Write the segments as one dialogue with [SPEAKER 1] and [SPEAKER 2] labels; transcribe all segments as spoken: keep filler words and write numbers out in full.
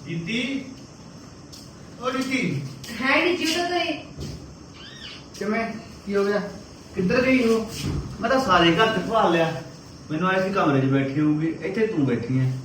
[SPEAKER 1] जीती ओ जीती
[SPEAKER 2] है नहीं जीता तो ये
[SPEAKER 1] किवें की हो गया किधर गई हो मैं तो सारे घर च भाल लिया मैनू आए सी कमरे च बैठी होगी इत्थे तू बैठी है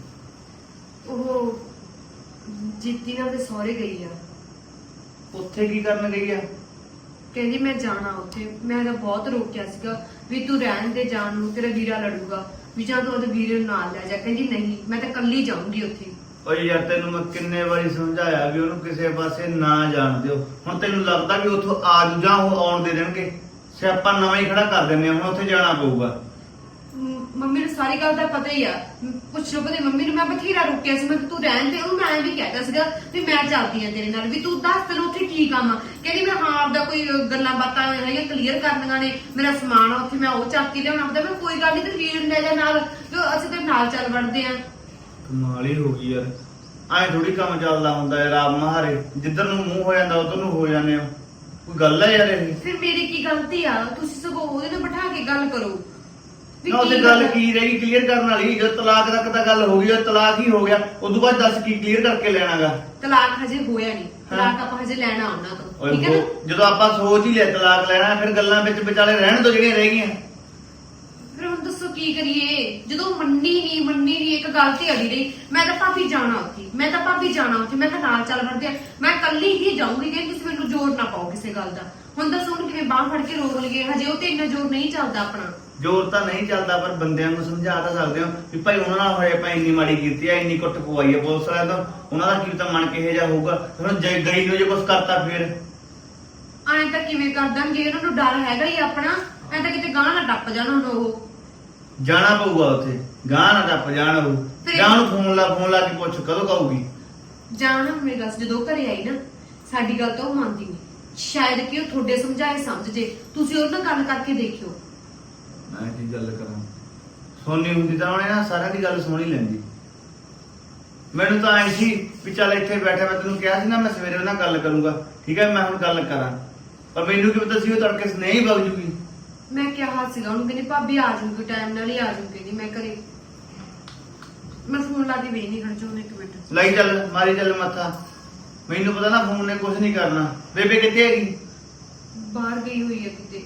[SPEAKER 2] ਉਹ ਜੀਤੀ ਨਾਲ ਦੇ ਸਹੁਰੇ ਗਈ ਆ
[SPEAKER 1] ਉੱਥੇ ਕੀ ਕਰਨ ਗਈ ਆ
[SPEAKER 2] ਕਹਿੰਦੀ ਮੈਂ ਜਾਣਾ ਉੱਥੇ ਮੈਂ ਤਾਂ ਬਹੁਤ ਰੋਕਿਆ ਸੀਗਾ ਵੀ ਤੂੰ ਰਹਿਣ ਦੇ ਜਾਣ ਨੂੰ ਤੇਰਾ ਵੀਰਾ ਲੜੂਗਾ ਵੀ ਜਾਂ ਤੂੰ ਉਹਦੇ ਵੀਰੇ ਨੂੰ ਨਾਲ ਲੈ ਜਾ ਕਹਿੰਦੀ ਨਹੀਂ ਮੈਂ ਤਾਂ ਇਕੱਲੀ ਜਾਊਂਗੀ ਉੱਥੇ
[SPEAKER 1] ਓਏ ਯਾਰ ਤੈਨੂੰ ਮੈਂ ਕਿੰਨੇ ਵਾਰੀ ਸਮਝਾਇਆ ਵੀ ਉਹਨੂੰ ਕਿਸੇ ਪਾਸੇ ਨਾ ਜਾਣ ਦਿਓ ਹੁਣ ਤੈਨੂੰ ਲੱਗਦਾ ਵੀ ਉੱਥੋਂ ਆ ਜੂ ਜਾਂ ਉਹ ਆਉਣ ਦੇ ਦੇਣਗੇ ਸਿਆਪਾ ਨਵਾਂ ਹੀ ਖੜਾ ਕਰ ਦਿੰਦੇ ਆ ਹੁਣ ਉੱਥੇ ਜਾਣਾ ਪਊਗਾ
[SPEAKER 2] ਮ- ਮੰਮੀ ਨੂੰ ਸਾਰੀ ਗੱਲ ਦਾ ਪਤਾ ਹੀ ਆ ਮ- ਪੁੱਛੋ ਕਦੇ ਮੰਮੀ ਨੂੰ ਮੈਂ ਬਥੇਰਾ ਰੋਕਿਆ ਸੀ ਮੈਂ ਕਿਹਾ ਤੂੰ ਰਹਿਣ ਦੇ ਉਹਨੂੰ ਮੈਂ ਵੀ ਕਹਿਤਾ ਸੀਗਾ ਵੀ ਮੈਂ ਚੱਲਦੀ ਆ ਤੇਰੇ ਨਾਲ ਵੀ ਤੂੰ ਦੱਸ ਤੈਨੂੰ ਉੱਥੇ ਕੀ ਕੰਮ ਆ ਕਹਿੰਦੀ ਮੈਂ ਹਾਂ ਆਪਦਾ ਕੋਈ ਗੱਲਾਂ ਬਾਤਾਂ ਹੈਗੀਆਂ ਕਲੀਅਰ ਕਰਨੀਆਂ ਨੇ ਮੇਰਾ ਸਮਾਨ ਆ ਉੱਥੇ ਮੈਂ ਉਹ ਚੱਕ ਕੇ ਲਿਆਉਣਾ ਪਤਾ ਮੈਂ ਕੋਈ ਗੱਲ ਨਹੀਂ ਤੇ ਵੀਰ ਨੂੰ ਲੈ ਜਾ ਨਾਲ ਤੇ ਅਸੀਂ ਤੇ ਨਾਲ ਚੱਲ ਵੜਦੇ ਆ
[SPEAKER 1] ਕਮਾਲ ਹੀ ਹੋ ਗਈ ਯਾਰ ਐ ਥੋੜੀ ਕੰਮ ਚੱਲਦਾ ਹੁੰਦਾ ਯਾਰ ਆਪ ਮਹਾਰੇ ਜਿੱਧਰ ਨੂੰ ਮੂੰਹ ਹੋ ਜਾਂਦਾ ਉਧਰ ਨੂੰ ਹੋ ਜਾਂਦੇ ਹੋ ਕੋਈ ਗੱਲ ਹੈ ਯਾਰ ਇਹ
[SPEAKER 2] ਫਿਰ ਮੇਰੀ ਕੀ ਗਲਤੀ ਆ ਤੁਸੀਂ ਸਗੋਂ ਉਹਦੇ ਨਾਲ ਬਿਠਾ ਕੇ ਗੱਲ ਕਰੋ ਵੀ
[SPEAKER 1] ਨਾ ਉਹਦੇ
[SPEAKER 2] ਕੀ
[SPEAKER 1] ਗੱਲ ਕੀ ਰਹੀ ਕਲੀਅਰ ਕਰਨ ਵਾਲੀ ਜਦ ਤਲਾਕ ਤੱਕ ਤਾਂ ਗੱਲ ਹੋ ਗਈ ਉਹ ਤਲਾਕ ਹੀ ਹੋ ਗਿਆ ਉਦੋਂ ਬਾਅਦ ਦੱਸ ਕੀ ਕਲੀਅਰ ਕਰਕੇ ਲੈਣਾਗਾ
[SPEAKER 2] ਤਲਾਕ ਹਜੇ ਹੋਇਆ ਨਹੀਂ ਤਲਾਕ ਆਪਾਂ ਹਜੇ ਲੈਣਾ ਉਹਨਾਂ ਤੋਂ
[SPEAKER 1] ਓਏ
[SPEAKER 2] ਠੀਕ ਹੈ ਨਾ
[SPEAKER 1] ਉਹ- ਜਦੋਂ ਆਪਾਂ ਸੋਚ ਹੀ ਲਿਆ ਤਲਾਕ ਲੈਣਾ ਫਿਰ ਗੱਲਾਂ ਵਿੱਚ ਵਿਚਾਲੇ ਰਹਿਣ ਤੋਂ ਜਿਹੜੀਆਂ ਰਹਿ ਗਈਆਂ
[SPEAKER 2] ਫਿਰ ਹੁਣ ਦੱਸੋ ਕੀ ਕਰੀਏ ਜਦੋਂ ਮੰਨੀ ਨਹੀਂ ਮੰਨੀ ਨਹੀਂ ਇੱਕ ਗੱਲ ਤੇ ਅੜੀ ਰਹੀ ਮੈਂ ਤਾਂ ਭਾਬੀ ਜਾਣਾ ਉੱਥੇ ਮੈਂ ਤਾਂ ਭਾਬੀ ਜਾਣਾ ਉੱਥੇ ਮੈਂ ਤਾਂ ਨਾਲ ਚੱਲ ਵੜਦੇ ਆ ਮੈਂ ਇਕੱਲੀ ਹੀ ਜਾਊਂਗੀ ਕਿ ਤੁਸੀਂ ਮੈਨੂੰ ਜ਼ੋਰ ਨਾ ਪਾਓ ਕਿਸੇ ਗੱਲ ਦਾ ਹੁਣ ਦੱਸੋ ਹੁਣ ਕਿਵੇਂ ਬਾਹ ਫੜ ਕੇ ਰੋਕ ਲਈਏ ਹਜੇ ਉਹ ਤੇ ਇੰਨਾ ਜ਼ੋਰ ਨਹੀਂ ਚੱਲਦਾ ਆਪਣਾ
[SPEAKER 1] ਜ਼ੋਰ ਤਾਂ ਨਹੀਂ ਚੱਲਦਾ ਪਰ ਬੰਦਿਆਂ ਨੂੰ ਸਮਝਾ ਤਾਂ ਸਕਦੇ ਹੋ ਵੀ ਭਾਈ ਉਹਨਾਂ ਨਾਲ ਹੋਏ ਭਾਈ ਇੰਨੀ ਮਾੜੀ ਕੀਤੀ ਆ ਇੰਨੀ ਕੁੱਟ ਪਵਾਈ ਆ ਪੁਲਿਸ ਵਾਲਿਆਂ ਤੋਂ ਉਹਨਾਂ ਦਾ ਕੀ ਤਾਂ ਮਨ ਕਿਹੋ ਜਿਹਾ ਹੋਊਗਾ ਹੁਣ ਜੇ ਗਈ ਨੂੰ ਜੇ ਕੁਝ ਕਰਤਾ ਫਿਰ
[SPEAKER 2] ਐਂ ਤਾਂ ਕਿਵੇਂ ਕਰ ਦੇਣਗੇ ਉਹਨਾਂ ਨੂੰ ਡਰ ਹੈਗਾ ਹੀ ਆਪਣਾ ਐਂ ਤਾਂ ਕਿਤੇ ਗਾਂ ਨਾ ਟੱਪ ਜਾਣ ਹੁਣ ਉਹ
[SPEAKER 1] ਜਾਣਾ ਪਊਗਾ ਉੱਥੇ ਗਾਂ ਨਾ ਟੱਪ ਜਾਣ ਉਹ
[SPEAKER 2] ਫਿਰ-
[SPEAKER 1] ਗਾਂ ਨੂੰ ਫੋਨ ਲਾ ਫੋਨ ਲਾ ਕੇ ਪੁੱਛ ਕਦੋਂ ਕਹੂਗੀ
[SPEAKER 2] ਜਾਣ ਮੇਰੀ ਗੱਲ ਜਦੋਂ ਘਰੇ ਆਈ ਨਾ ਸਾਡੀ ਗੱਲ ਤਾਂ ਉਹ ਮੰਨਦੀ ਨਹੀਂ ਸ਼ਾਇਦ ਕਿ ਉਹ ਤੁਹਾਡੇ ਸਮਝਾਏ ਸਮਝ ਜੇ ਤੁਸੀਂ ਉਹਨਾਂ ਨਾਲ ਗੱਲ ਕਰਕੇ ਦੇਖਿਓ
[SPEAKER 1] ਮੈਂ ਕੀ ਗੱਲ ਕਰਾਂ ਸੋਨੀ ਹੁੰਦੀ ਤਾਂ ਉਹਨੇ ਨਾ ਸਾਰਿਆਂ ਦੀ ਗੱਲ ਸੁਣ ਹੀ ਲੈਂਦੀ ਮੈਨੂੰ ਤਾਂ ਐਂ ਸੀ ਵੀ ਚੱਲ ਇੱਥੇ ਬੈਠਾ ਮੈਂ ਤੈਨੂੰ ਕਿਹਾ ਸੀ ਨਾ ਮੈਂ ਸਵੇਰੇ ਉਹਨਾਂ ਨਾਲ ਗੱਲ ਕਰੂੰਗਾ ਠੀਕ ਹੈ ਮੈਂ ਹੁਣ ਗੱਲ ਕਰਾਂ ਪਰ ਮੈਨੂੰ ਕੀ ਪਤਾ ਸੀ ਉਹ ਤੜਕੇ ਨਹੀਂ ਵਗ ਜੂਗੀ
[SPEAKER 2] ਮੈਂ ਕਿਹਾ ਸੀਗਾ ਉਹਨੂੰ ਕਹਿੰਦੀ ਭਾਬੀ ਆ ਜਾਊਗੀ ਟਾਈਮ ਨਾਲ ਹੀ ਆ ਜਾਊਗੀ ਕਹਿੰਦੀ ਮੈਂ ਘਰੇ ਮੈਂ ਫੋਨ ਲਾ ਕੇ ਵੇਖ ਨਹੀਂ ਖੜ ਜਾਉਂ ਇੱਕ ਮਿੰਟ
[SPEAKER 1] ਲਈ ਚੱਲ ਮਾਰੀ ਚੱਲ ਮੱਥਾ ਮੈਨੂੰ ਪਤਾ ਨਾ ਫੋਨ ਨੇ ਕੁਝ ਨਹੀਂ ਕਰਨਾ ਬੇਬੇ ਕਿੱਥੇ ਹੈਗੀ
[SPEAKER 2] ਬਾਹਰ ਗਈ ਹੋਈ ਹੈ ਕਿਤੇ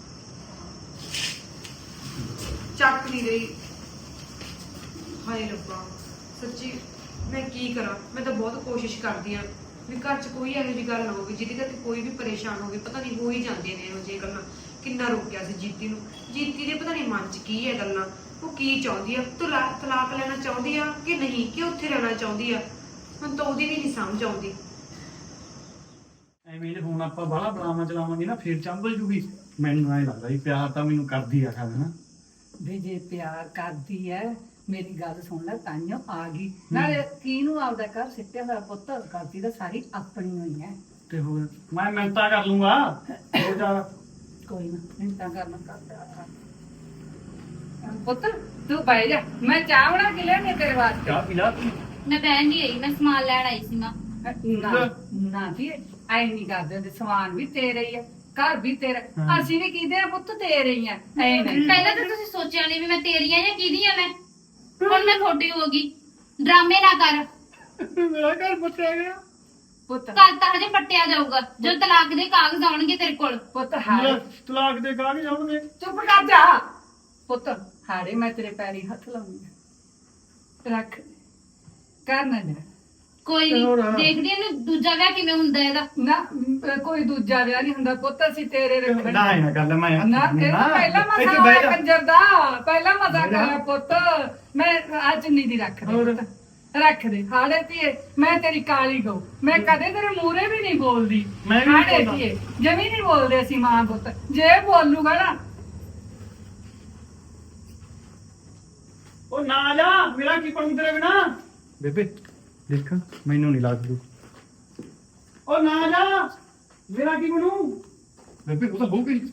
[SPEAKER 2] ਚੱਕ ਨਹੀਂ ਰਹੀ ਹਾਏ ਰੱਬਾ ਸੱਚੀ ਮੈਂ ਕੀ ਕਰਾਂ ਮੈਂ ਤਾਂ ਬਹੁਤ ਕੋਸ਼ਿਸ਼ ਕਰਦੀ ਆ ਵੀ ਘਰ 'ਚ ਕੋਈ ਇਹੋ ਜਿਹੀ ਗੱਲ ਨਾ ਹੋਵੇ ਜਿਹਦੀ ਕਰਕੇ ਕੋਈ ਵੀ ਪਰੇਸ਼ਾਨ ਹੋਵੇ ਪਤਾ ਨਹੀਂ ਹੋ ਹੀ ਜਾਂਦੀਆਂ ਨੇ ਇਹੋ ਜਿਹੀਆਂ ਗੱਲਾਂ ਕਿੰਨਾ ਰੋਕਿਆ ਸੀ ਜੀਤੀ ਨੂੰ ਜੀਤੀ ਦੇ ਪਤਾ ਨਹੀਂ ਮਨ 'ਚ ਕੀ ਹੈ ਗੱਲਾਂ ਉਹ ਕੀ ਚਾਹੁੰਦੀ ਆ ਤਲਾਕ ਤਲਾਕ ਲੈਣਾ ਚਾਹੁੰਦੀ ਆ ਕਿ ਨਹੀਂ ਕਿ ਉੱਥੇ ਰਹਿਣਾ ਚਾਹੁੰਦੀ ਆ ਹੁਣ ਤਾਂ ਉਹਦੀ ਵੀ ਨਹੀਂ ਸਮਝ ਆਉਂਦੀ
[SPEAKER 3] ਐਵੇਂ ਜੇ ਹੁਣ ਆਪਾਂ ਬਾਹਲਾ ਬਲਾਵਾਂ ਚਲਾਵਾਂਗੇ ਨਾ ਫੇਰ ਚੰਬਲ ਜੂਗੀ ਮੈਨੂੰ ਐ ਲੱਗਦਾ ਵੀ ਪਿਆਰ ਤਾਂ ਮੈਨੂੰ ਕਰਦੀ ਆ ਕਰ ਨਾ
[SPEAKER 4] ਵੀ ਜੇ ਪਿਆਰ ਕਰਦੀ ਐ ਮੇਰੀ ਗੱਲ ਸੁਣ ਲੈ ਤਾਈਓ ਆ ਗਈ ਨਾਲੇ ਕਿਹਨੂੰ ਆਪਦਾ ਘਰ ਸਿੱਟਿਆ ਹੋਇਆ ਪੁੱਤ ਕਰਦੀ ਤਾਂ ਸਾਰੀ ਆਪਣੀ ਹੋਈ ਐ
[SPEAKER 3] ਤੇ ਹੋਰ ਮੈਂ ਮਿਹਨਤਾਂ ਕਰ ਲੂੰਗਾ ਹੋ ਜਾ
[SPEAKER 4] ਕੋਈ ਨਾ ਮਿੰਟਾਂ ਕਰਨਾ ਕਰਦਾ ਪੁੱਤ ਤੂੰ ਬਹਿ ਜਾ ਮੈਂ ਚਾਹ ਬਣਾ ਕੇ ਲਿਆਉਣੀ ਆ ਤੇਰੇ ਵਾਸਤੇ
[SPEAKER 3] ਚਾਹ ਪੀ ਲਾ
[SPEAKER 5] ਮੈਂ ਬਹਿਣ ਨਹੀਂ ਆਈ ਮੈਂ ਸਮਾਨ ਲੈਣ ਆਈ ਸੀ ਮਾਂ
[SPEAKER 4] ਨਾ ਨਾ ਵੀ ਐ ਨਹੀਂ ਕਰਦੇ ਹੁੰਦੇ ਸਮਾਨ ਵੀ ਤੇਰੇ ਹੀ ਆ ਘਰ ਵੀ ਤੇਰਾ
[SPEAKER 3] ਹਾਂ।
[SPEAKER 4] ਅਸੀਂ ਵੀ ਕਿਹਦੇ ਆ ਪੁੱਤ ਤੇਰੇ ਹੀ ਆ ਐ ਨਹੀਂ
[SPEAKER 5] ਪਹਿਲਾਂ ਤਾਂ ਤੁਸੀਂ ਸੋਚਿਆ ਨਹੀਂ ਵੀ ਮੈਂ ਤੇਰੀ ਆ ਜਾਂ ਕਿਹਦੀ ਆ ਮੈਂ ਹੁਣ ਮੈਂ ਤੁਹਾਡੀ ਹੋ ਗਈ ਡਰਾਮੇ ਨਾ ਕਰ
[SPEAKER 3] ਮੇਰਾ ਘਰ ਪੱਟਿਆ ਗਿਆ
[SPEAKER 4] ਪੁੱਤ
[SPEAKER 5] ਕੱਲ ਤਾਂ ਹਜੇ ਪੱਟਿਆ ਜਾਊਗਾ ਜਦੋਂ ਤਲਾਕ ਦੇ ਕਾਗਜ਼ ਆਉਣਗੇ ਤੇਰੇ ਕੋਲ
[SPEAKER 4] ਪੁੱਤ ਹਾਰੇ
[SPEAKER 3] ਮੇਰਾ ਤਲਾਕ ਦੇ ਕਾਗਜ਼ ਆਉਣਗੇ
[SPEAKER 4] ਚੁੱਪ ਕਰ ਜਾ ਪੁੱਤ ਹਾਰੇ ਮੈਂ ਤੇਰੇ ਪੈਰੀ ਹੱਥ ਲਾਉਂਗੀ ਰੱਖ ਕਰ ਨਾ ਜਾ
[SPEAKER 5] ਕੋਈ
[SPEAKER 3] ਤੇ ਹੋਰ?
[SPEAKER 5] ਨਹੀਂ ਦੇਖਦੀ ਆ ਇਹਨੂੰ ਦੂਜਾ ਵਿਆਹ ਕਿਵੇਂ ਹੁੰਦਾ ਇਹਦਾ
[SPEAKER 4] ਨਾ ਅਮ, ਕੋਈ ਦੂਜਾ ਵਿਆਹ ਨਹੀਂ ਹੁੰਦਾ ਪੁੱਤ ਅਸੀਂ ਤੇਰੇ ਰੱਖਣਾ
[SPEAKER 3] ਨਾ ਇਹ ਨਾ ਗੱਲ ਮੈਂ
[SPEAKER 4] ਨਾ ਇਹ ਤਾਂ ਪਹਿਲਾ ਮਸਾ
[SPEAKER 3] ਇੱਥੇ ਬਹਿ
[SPEAKER 4] ਹੋਇਆ
[SPEAKER 3] ਜਾ।
[SPEAKER 4] ਕੰਜਰ ਦਾ ਪਹਿਲਾ ਮਸਾ
[SPEAKER 3] ਬਹਿ ਜਾ।
[SPEAKER 4] ਕਰਿਆ ਪੁੱਤ ਮੈਂ ਅੱਜ ਨਹੀਂ ਦੀ ਰੱਖ
[SPEAKER 3] ਹੋਰ?
[SPEAKER 4] ਦੇ ਪੁੱਤ। ਰੱਖ ਦੇ ਹਾੜੇ ਧੀਏ ਮੈਂ ਤੇਰੀ ਕਾਲੀ ਗਊ ਮੈਂ ਕਦੇ ਤੇਰੇ ਮੂਹਰੇ ਵੀ ਨਹੀਂ ਬੋਲਦੀ
[SPEAKER 3] ਮੈਂ ਵੀ ਨਹੀਂ
[SPEAKER 4] ਹਾੜੇ
[SPEAKER 3] ਬੋਲਦਾ।
[SPEAKER 4] ਧੀਏ ਜਮੀ ਨਹੀਂ ਬੋਲਦੇ ਅਸੀਂ ਮਾਂ ਪੁੱਤ ਜੇ ਬੋਲੂਗਾ ਨਾ
[SPEAKER 3] ਉਹ ਨਾ ਜਾ ਮੇਰਾ ਕੀ ਬਣੂ ਤੇਰੇ ਬਿਨਾ ਬੇਬੇ ਦੇਖ ਮੈਨੂੰ ਨਹੀਂ ਲੱਗਦਾ ਉਹ ਨਾ ਜਾ ਮੇਰਾ ਕੀ ਬਣੂ ਬੇਬੇ ਉਹ ਤਾਂ ਹੋ ਗਈ